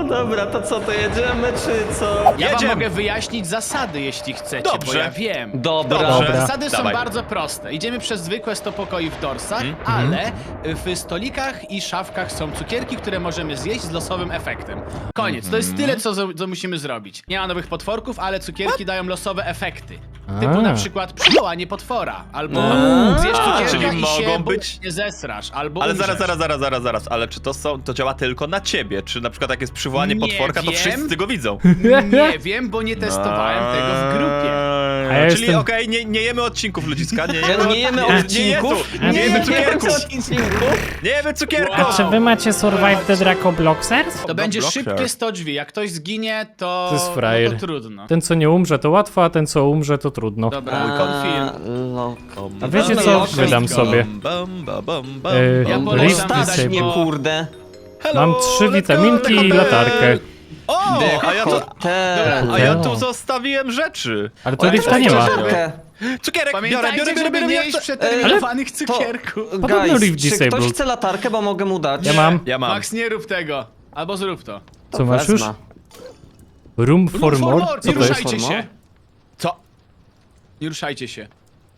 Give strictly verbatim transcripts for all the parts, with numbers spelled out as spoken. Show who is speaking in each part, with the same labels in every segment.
Speaker 1: dobra, to co, to jedziemy, czy co?
Speaker 2: Ja wam
Speaker 3: Jedziemy.
Speaker 2: mogę wyjaśnić zasady, jeśli chcecie,
Speaker 3: Dobrze.
Speaker 2: bo ja wiem.
Speaker 1: Dobra.
Speaker 3: Dobrze.
Speaker 2: Zasady są
Speaker 3: Dawaj.
Speaker 2: bardzo proste. Idziemy przez zwykłe sto pokoi w dorsach,
Speaker 3: Mhm.
Speaker 2: ale w stolikach i szafkach są cukierki, które możemy zjeść z losowym efektem. Koniec. To jest
Speaker 3: Mhm.
Speaker 2: tyle, co, co musimy zrobić. Nie ma nowych potworków, ale cukierki dają losowe efekty.
Speaker 4: A.
Speaker 2: Typu na przykład przywołanie potwora, albo
Speaker 1: A,
Speaker 2: zjesz cukierka
Speaker 3: czyli
Speaker 2: i
Speaker 3: mogą
Speaker 2: się
Speaker 3: być-
Speaker 2: nie zesrasz, albo
Speaker 3: Ale
Speaker 2: umrzesz.
Speaker 3: zaraz, zaraz, zaraz, zaraz, zaraz, ale czy to są, to działa tylko na ciebie? Czy na przykład jak jest przywołanie
Speaker 2: Nie
Speaker 3: potworka, to
Speaker 2: wiem.
Speaker 3: wszyscy go widzą?
Speaker 2: Nie wiem, bo nie testowałem tego w grupie.
Speaker 4: A ja
Speaker 3: Czyli
Speaker 4: jestem-
Speaker 3: okej, nie, nie jemy odcinków ludziska, nie
Speaker 1: Nie,
Speaker 3: jemy,
Speaker 1: nie jemy
Speaker 3: nie,
Speaker 1: odcinków?
Speaker 3: Nie, nie jemy cukierków!
Speaker 1: odcinków?
Speaker 3: Nie jemy cukierków!
Speaker 4: A czy wy macie Survive the Draco Bloxers?
Speaker 2: To będzie
Speaker 3: Blocker.
Speaker 2: szybkie sto drzwi. Jak ktoś zginie, to,
Speaker 4: To jest frajer.
Speaker 2: no to trudno.
Speaker 4: Ten co nie umrze to łatwo, a ten co umrze to trudno.
Speaker 2: Dobra, confirm.
Speaker 1: Loko.
Speaker 4: A wiecie
Speaker 1: Dobra,
Speaker 4: co?
Speaker 1: loko.
Speaker 4: Wydam sobie.
Speaker 3: Bam, bam, bam, bam,
Speaker 4: Yy,
Speaker 3: bam,
Speaker 2: Ja
Speaker 3: bam.
Speaker 2: polecam
Speaker 4: Rift
Speaker 2: dodać,
Speaker 1: Stać mnie,
Speaker 2: bo-
Speaker 1: kurde.
Speaker 3: Hello,
Speaker 4: Mam trzy
Speaker 3: let's go,
Speaker 4: witaminki
Speaker 3: let's go,
Speaker 4: i
Speaker 3: let's-
Speaker 4: latarkę.
Speaker 3: O, a ja tu,
Speaker 1: Hotel.
Speaker 3: a ja
Speaker 4: No.
Speaker 3: tu zostawiłem rzeczy.
Speaker 4: Ale to
Speaker 1: O,
Speaker 4: lifta nie ma.
Speaker 1: latarkę.
Speaker 3: Cukierek, biorę,
Speaker 2: Pamiętajcie,
Speaker 3: biorę, biorę,
Speaker 2: żeby
Speaker 3: biorę,
Speaker 2: nie
Speaker 3: biorę.
Speaker 2: jeść przeterminowanych
Speaker 1: To,
Speaker 2: cukierków.
Speaker 4: Podobno
Speaker 1: guys,
Speaker 4: Rift
Speaker 1: czy ktoś
Speaker 4: disabled.
Speaker 1: chce latarkę, bo mogę mu dać?
Speaker 4: Ja mam.
Speaker 3: Ja mam.
Speaker 2: Max, nie rób tego. Albo zrób to.
Speaker 4: Co masz już?
Speaker 1: Wezmę.
Speaker 4: Room for more? Co
Speaker 2: Nie
Speaker 4: to jest?
Speaker 2: ruszajcie
Speaker 1: for more?
Speaker 2: się.
Speaker 3: Co?
Speaker 2: Nie ruszajcie się.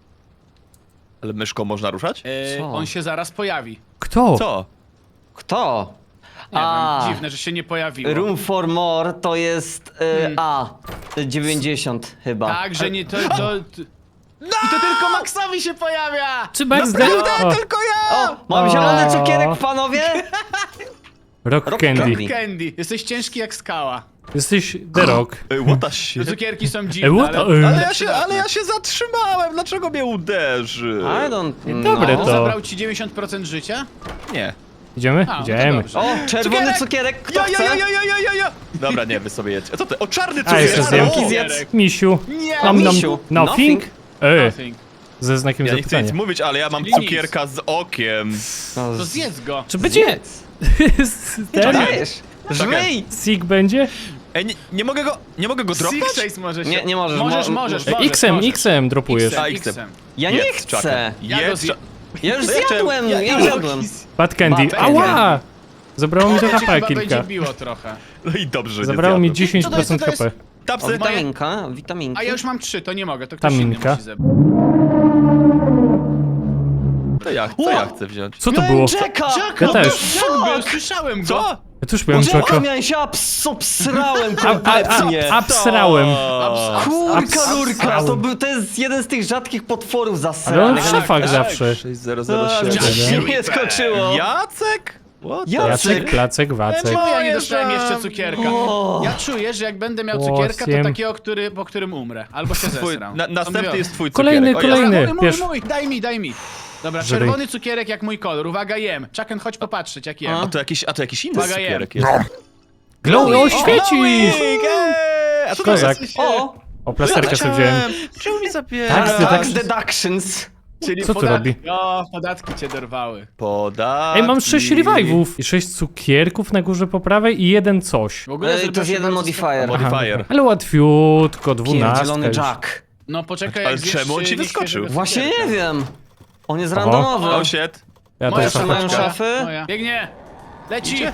Speaker 3: Ale myszką można ruszać?
Speaker 2: E,
Speaker 1: Co?
Speaker 2: on się zaraz pojawi.
Speaker 4: Kto?
Speaker 3: Co?
Speaker 1: Kto?
Speaker 2: Nie
Speaker 1: A.
Speaker 2: wiem, dziwne, że się nie pojawiło.
Speaker 1: Room for more to jest y,
Speaker 2: Hmm.
Speaker 1: A. dziewięćdziesiąt chyba.
Speaker 2: Tak, że nie to... to, to... I to tylko Maxowi się pojawia!
Speaker 4: Czy Max da... O,
Speaker 3: Tylko ja!
Speaker 1: O, mam
Speaker 4: O.
Speaker 1: zielony cukierek, panowie!
Speaker 4: Rock
Speaker 1: Rock
Speaker 4: Candy.
Speaker 1: Candy.
Speaker 2: Candy. Jesteś ciężki jak skała.
Speaker 4: Jesteś The Rock.
Speaker 3: Ej, what the shit?
Speaker 2: Te cukierki są
Speaker 4: Ej,
Speaker 2: dziwne,
Speaker 4: what the...
Speaker 2: ale...
Speaker 3: Ale ja się, ale ja się zatrzymałem, dlaczego mnie uderzy?
Speaker 1: I don't know.
Speaker 4: Dobre
Speaker 2: On
Speaker 4: to.
Speaker 2: zabrał ci dziewięćdziesiąt procent życia?
Speaker 3: Nie.
Speaker 4: Idziemy?
Speaker 2: A, no to
Speaker 4: Idziemy.
Speaker 2: dobrze.
Speaker 1: O, czerwony
Speaker 3: Cukierek!
Speaker 1: cukierek, kto
Speaker 3: Ja, ja,
Speaker 1: chce?
Speaker 3: ja, ja, ja, ja, ja! Dobra, nie, wy sobie jedźcie. A co ty? O, czarny
Speaker 4: A,
Speaker 3: cukier!
Speaker 4: jeszcze zjem.
Speaker 3: O!
Speaker 1: Zjedz.
Speaker 4: Misiu.
Speaker 2: Nie!
Speaker 4: Nom, nom.
Speaker 1: misiu.
Speaker 4: Nothing? Ej,
Speaker 2: Nothing.
Speaker 4: ze znakiem
Speaker 3: Ja nie chcę nic
Speaker 4: zapytania.
Speaker 3: mówić, ale ja mam
Speaker 2: Czyli nic.
Speaker 3: cukierka z okiem.
Speaker 1: No,
Speaker 2: To
Speaker 1: z-
Speaker 2: zjedz go.
Speaker 4: Czy będzie... Ten?
Speaker 1: Dajesz. Żmij!
Speaker 4: Sig będzie?
Speaker 3: Ej, nie, nie mogę go, nie mogę go dropnąć?
Speaker 2: Six Ace możesz.
Speaker 1: Nie, nie możesz,
Speaker 2: Możesz,
Speaker 1: mo-
Speaker 2: możesz,
Speaker 4: Ej,
Speaker 2: możesz.
Speaker 4: X-em,
Speaker 2: możesz.
Speaker 4: X-em dropujesz.
Speaker 3: A,
Speaker 2: X-em.
Speaker 3: X-em.
Speaker 1: Ja nie
Speaker 3: Jedz,
Speaker 1: chcę!
Speaker 3: Chucken.
Speaker 2: Ja go
Speaker 3: Jedz,
Speaker 2: zje-
Speaker 1: Ja już
Speaker 3: No ja chciałem-
Speaker 1: zjadłem,
Speaker 3: ja-
Speaker 1: ja
Speaker 3: ja-
Speaker 1: zjadłem.
Speaker 4: Bad Candy.
Speaker 2: Bad
Speaker 4: Ała! Zabrało mi to
Speaker 2: Cię
Speaker 4: H P
Speaker 2: chyba
Speaker 4: kilka.
Speaker 2: będzie biło trochę.
Speaker 3: No i dobrze, że
Speaker 4: Zabrało
Speaker 3: nie
Speaker 4: mi
Speaker 3: zjadłem.
Speaker 4: dziesięć
Speaker 2: Co to jest,
Speaker 4: procent
Speaker 2: co to
Speaker 4: H
Speaker 2: jest?
Speaker 4: P.
Speaker 1: O,
Speaker 3: Tapsy.
Speaker 1: witaminka, witaminki.
Speaker 2: A ja już mam trzy, to nie mogę, to ktoś
Speaker 4: Taminka.
Speaker 2: inny musi zebrać.
Speaker 3: To ja, co ja chcę wziąć?
Speaker 4: Co to
Speaker 1: Miałem
Speaker 4: było?
Speaker 1: Jacka!
Speaker 4: Ja
Speaker 2: No
Speaker 4: też.
Speaker 2: Jak był? Słyszałem go.
Speaker 3: Co?
Speaker 4: Ja też miałem
Speaker 1: Jacka
Speaker 4: Jacka.
Speaker 1: miałem się abs obsrałem
Speaker 4: A, a,
Speaker 1: kompletnie.
Speaker 4: a, absrałem.
Speaker 2: Abs-
Speaker 1: Kurka lurka,
Speaker 4: Absrałem.
Speaker 1: to, był, to jest jeden z tych rzadkich potworów
Speaker 4: Ale on
Speaker 1: zasranych.
Speaker 4: w szafach
Speaker 2: tak.
Speaker 4: zawsze.
Speaker 3: sześć zero
Speaker 1: A,
Speaker 3: zero siedem.
Speaker 1: Gdzieś mnie skoczyło.
Speaker 3: Jacek? What the-
Speaker 1: Jacek?
Speaker 4: Jacek, Placek, Wacek.
Speaker 2: Czemu ja nie
Speaker 3: Moje
Speaker 2: dostałem
Speaker 3: żam-
Speaker 2: jeszcze cukierka?
Speaker 1: O.
Speaker 2: Ja czuję, że jak będę miał cukierka, to
Speaker 4: Osiem.
Speaker 2: takiego, który, po którym umrę. Albo się
Speaker 3: Twój,
Speaker 2: zesram.
Speaker 3: na,
Speaker 2: To
Speaker 3: następny
Speaker 2: mówię.
Speaker 3: jest twój
Speaker 4: Kolejny,
Speaker 3: cukierek. O, ja-
Speaker 4: kolejny.
Speaker 2: Dobra, mój,
Speaker 4: Bierz.
Speaker 2: mój, mój, daj mi, daj mi. Dobra,
Speaker 4: Żryj.
Speaker 2: czerwony cukierek jak mój kolor. Uwaga, jem. Chucken, chodź popatrzeć jak jem.
Speaker 3: A to jakiś, a to jakiś inny
Speaker 2: Uwaga,
Speaker 3: cukierek
Speaker 2: jem.
Speaker 3: jest.
Speaker 4: Glow, o,
Speaker 3: Glowing,
Speaker 4: świecisz!
Speaker 3: ej! A co to
Speaker 4: Kozak.
Speaker 3: jest?
Speaker 1: O!
Speaker 4: O, plasterkę sobie wziąłem.
Speaker 3: Czemu mi zabiera?
Speaker 4: Tak, ty
Speaker 1: Tax
Speaker 4: tak-
Speaker 1: deductions.
Speaker 2: Czyli
Speaker 4: Co tu
Speaker 2: podatki.
Speaker 4: robi?
Speaker 2: O, podatki cię dorwały.
Speaker 3: Podatki.
Speaker 4: Ej, mam sześć revive'ów i sześć cukierków na górze po prawej i jeden coś.
Speaker 2: W ogóle
Speaker 1: Ej, to
Speaker 2: zrobiło
Speaker 1: jest
Speaker 2: się
Speaker 1: jeden
Speaker 2: bardzo
Speaker 1: modifier.
Speaker 3: Aha. Modifier.
Speaker 4: Ale łatwiutko, dwunastka
Speaker 1: Pierdzielony
Speaker 4: już.
Speaker 1: Jack.
Speaker 2: No poczekaj,
Speaker 3: Ale
Speaker 2: jak zjesz
Speaker 3: czemu on ci
Speaker 2: nieświeżego
Speaker 3: wyskoczył?
Speaker 2: cukierka.
Speaker 1: Właśnie nie wiem. On jest
Speaker 4: Oho.
Speaker 1: randomowy.
Speaker 3: Oh shit.
Speaker 4: Ja
Speaker 2: Moja
Speaker 4: też
Speaker 1: szafka.
Speaker 4: szafę.
Speaker 1: Mają szafy?
Speaker 2: Moja. Biegnie! Leci!
Speaker 3: Idzie.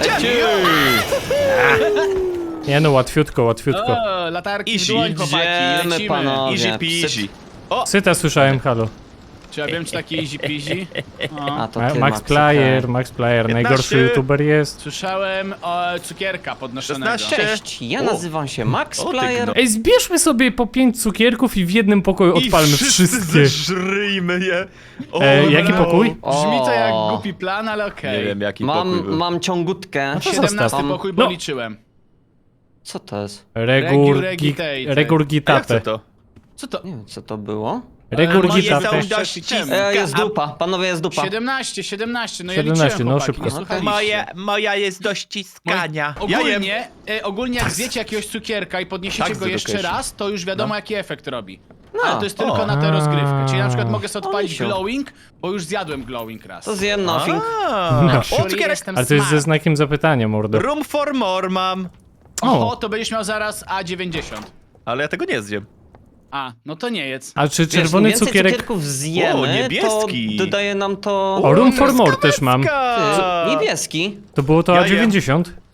Speaker 4: Nie no, łatwiutko, łatwiutko.
Speaker 2: O, latarki w
Speaker 3: Easy.
Speaker 2: dłoń, chłopaki,
Speaker 1: Idziemy,
Speaker 2: lecimy.
Speaker 1: panowie.
Speaker 3: Easy peasy.
Speaker 4: Cyta słyszałem, halo.
Speaker 2: Czy ja wiem, czy taki easy peasy?
Speaker 1: A
Speaker 2: O.
Speaker 1: to
Speaker 4: Ma-
Speaker 1: ty,
Speaker 4: Max
Speaker 1: Max,
Speaker 4: Player,
Speaker 1: okej.
Speaker 4: Max Player, najgorszy
Speaker 3: piętnaście.
Speaker 4: youtuber jest.
Speaker 2: Słyszałem o cukierka podnoszonego.
Speaker 3: szesnaście.
Speaker 1: Cześć, ja
Speaker 3: O.
Speaker 1: nazywam się Max
Speaker 3: O, ty
Speaker 1: Player.
Speaker 3: gno-
Speaker 4: Ej, zbierzmy sobie po pięć cukierków i w jednym pokoju odpalmy
Speaker 3: I
Speaker 4: wszystkie.
Speaker 3: zeżryjmy je. O,
Speaker 4: E, jaki
Speaker 3: no.
Speaker 4: pokój?
Speaker 2: Brzmi to jak
Speaker 1: O.
Speaker 2: głupi plan, ale okej.
Speaker 3: Nie wiem jaki pokój
Speaker 1: Mam,
Speaker 3: był.
Speaker 1: mam ciągutkę.
Speaker 4: No to
Speaker 2: siedemnasty
Speaker 4: zostaw.
Speaker 2: pokój, bo
Speaker 4: No.
Speaker 2: liczyłem.
Speaker 1: Co to jest?
Speaker 4: Regurgi...
Speaker 2: Regitate.
Speaker 3: A ja chcę
Speaker 4: Regurgitate.
Speaker 3: to.
Speaker 2: Co to?
Speaker 1: Nie wiem, co to było.
Speaker 4: Regurgitate.
Speaker 3: Moje są dość
Speaker 1: E, jest dupa, panowie, jest dupa.
Speaker 2: siedemnaście, siedemnaście, no ja
Speaker 4: siedemnaście,
Speaker 2: liczyłem,
Speaker 4: no,
Speaker 2: chłopaki,
Speaker 4: szybko.
Speaker 2: nie słuchaliście.
Speaker 3: Moje, moja jest do ściskania. Ja jem.
Speaker 2: Ogólnie, e, ogólnie jak zjecie jakiegoś cukierka i podniesiecie
Speaker 3: Tak,
Speaker 2: go jeszcze
Speaker 3: education.
Speaker 2: raz, to już wiadomo
Speaker 3: No.
Speaker 2: jaki efekt robi.
Speaker 1: No.
Speaker 2: Ale to jest tylko
Speaker 3: O.
Speaker 2: na tę rozgrywkę. Czyli na przykład mogę sobie
Speaker 1: O,
Speaker 2: odpalić
Speaker 1: misiu.
Speaker 2: glowing, bo już zjadłem glowing raz.
Speaker 1: To zjem nothing.
Speaker 3: A,
Speaker 4: No.
Speaker 3: O, cukierek.
Speaker 2: Jestem
Speaker 4: Ale to jest ze
Speaker 2: smart.
Speaker 4: znakiem zapytania, mordo.
Speaker 3: Room for more mam.
Speaker 2: Oho,
Speaker 4: O,
Speaker 2: to będziesz miał zaraz A dziewięćdziesiąt.
Speaker 3: Ale ja tego nie zjem.
Speaker 2: A, no to nie jedz.
Speaker 4: a czy
Speaker 1: Wiesz,
Speaker 4: czerwony
Speaker 1: im więcej
Speaker 4: cukierek...
Speaker 1: cukierków zjemy,
Speaker 3: O,
Speaker 1: to
Speaker 3: niebieski.
Speaker 1: dodaje nam to...
Speaker 4: O, Room for More też mam.
Speaker 1: Ty, niebieski.
Speaker 4: To było to
Speaker 3: Ja
Speaker 4: A dziewięćdziesiąt?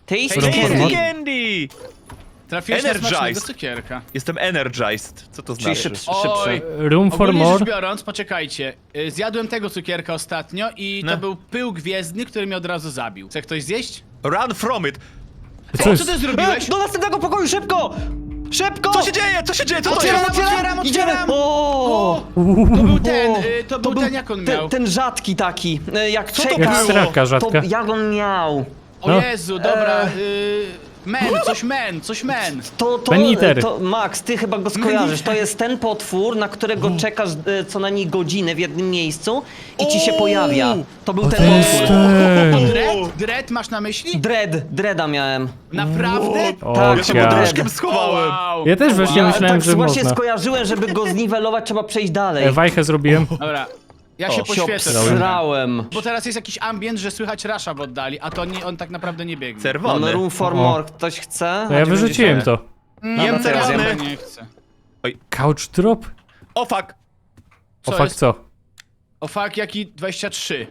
Speaker 1: Taste
Speaker 2: Tasty
Speaker 1: candy.
Speaker 2: candy.
Speaker 3: Candy!
Speaker 2: Trafiłeś na
Speaker 3: Energized.
Speaker 2: smacznego cukierka.
Speaker 3: Jestem energized. Co to
Speaker 1: Czyli
Speaker 3: znaczy?
Speaker 1: szybszy,
Speaker 2: Oj.
Speaker 1: szybszy.
Speaker 4: Room for
Speaker 2: Ogólnie
Speaker 4: more.
Speaker 2: rzecz biorąc, poczekajcie, y, zjadłem tego cukierka ostatnio i to
Speaker 3: No.
Speaker 2: był pył gwiezdny, który mnie od razu zabił. Chce ktoś zjeść?
Speaker 3: Run from it!
Speaker 4: Co
Speaker 2: Co
Speaker 4: jest?
Speaker 2: ty zrobiłeś?
Speaker 1: E, do następnego pokoju, szybko! Szybko!
Speaker 3: Co się dzieje? Co się dzieje? Co to
Speaker 2: Otwieram,
Speaker 3: jest?
Speaker 2: otwieram,
Speaker 1: Idziemy!
Speaker 2: otwieram!
Speaker 1: O!
Speaker 2: To był ten,
Speaker 1: O!
Speaker 2: y, to był ten, jak on
Speaker 1: ten,
Speaker 2: miał.
Speaker 1: ten rzadki taki, e, jak
Speaker 3: Co to
Speaker 1: czekasz,
Speaker 3: było?
Speaker 4: Jak strawka rzadka.
Speaker 1: to jak on miał?
Speaker 2: O
Speaker 4: No.
Speaker 2: Jezu, dobra,
Speaker 1: Eee.
Speaker 2: y, men, coś men, coś men.
Speaker 1: To, to,
Speaker 4: Ben Eater.
Speaker 1: to, Max, ty chyba go skojarzysz. To jest ten potwór, na którego czekasz e, co najmniej godzinę w jednym miejscu i ci się
Speaker 3: O!
Speaker 1: pojawia. To był
Speaker 4: O,
Speaker 1: ten
Speaker 4: to jest
Speaker 1: potwór.
Speaker 4: ten.
Speaker 2: Dread? Dread masz na myśli?
Speaker 1: Dread, Dreada miałem.
Speaker 2: Naprawdę?
Speaker 4: O,
Speaker 1: Tak,
Speaker 3: Ja się
Speaker 1: ja.
Speaker 3: pod
Speaker 4: ja.
Speaker 3: łóżkiem schowałem.
Speaker 2: Wow.
Speaker 4: Ja też właśnie
Speaker 2: Wow.
Speaker 4: myślałem,
Speaker 1: tak
Speaker 4: że
Speaker 1: właśnie
Speaker 4: można.
Speaker 1: skojarzyłem, żeby go zniwelować, trzeba przejść dalej.
Speaker 4: E, Wajchę zrobiłem.
Speaker 2: Dobra, ja
Speaker 3: O,
Speaker 2: się
Speaker 3: się
Speaker 2: poświecę.
Speaker 1: Obsrałem.
Speaker 2: Bo teraz jest jakiś ambient, że słychać rasza w oddali, a to nie, on tak naprawdę nie biegnie.
Speaker 1: Mamy
Speaker 3: Czerwony.
Speaker 1: room for
Speaker 4: O.
Speaker 1: more. Ktoś chce?
Speaker 4: No ja wyrzuciłem to.
Speaker 2: Mm,
Speaker 3: Jem
Speaker 2: ja teraz
Speaker 3: czerwony.
Speaker 2: chyba nie chcę.
Speaker 4: Couch drop?
Speaker 3: O fuck!
Speaker 4: O
Speaker 2: Co
Speaker 4: fuck
Speaker 2: jest?
Speaker 4: co?
Speaker 2: O fuck, jaki dwadzieścia trzy.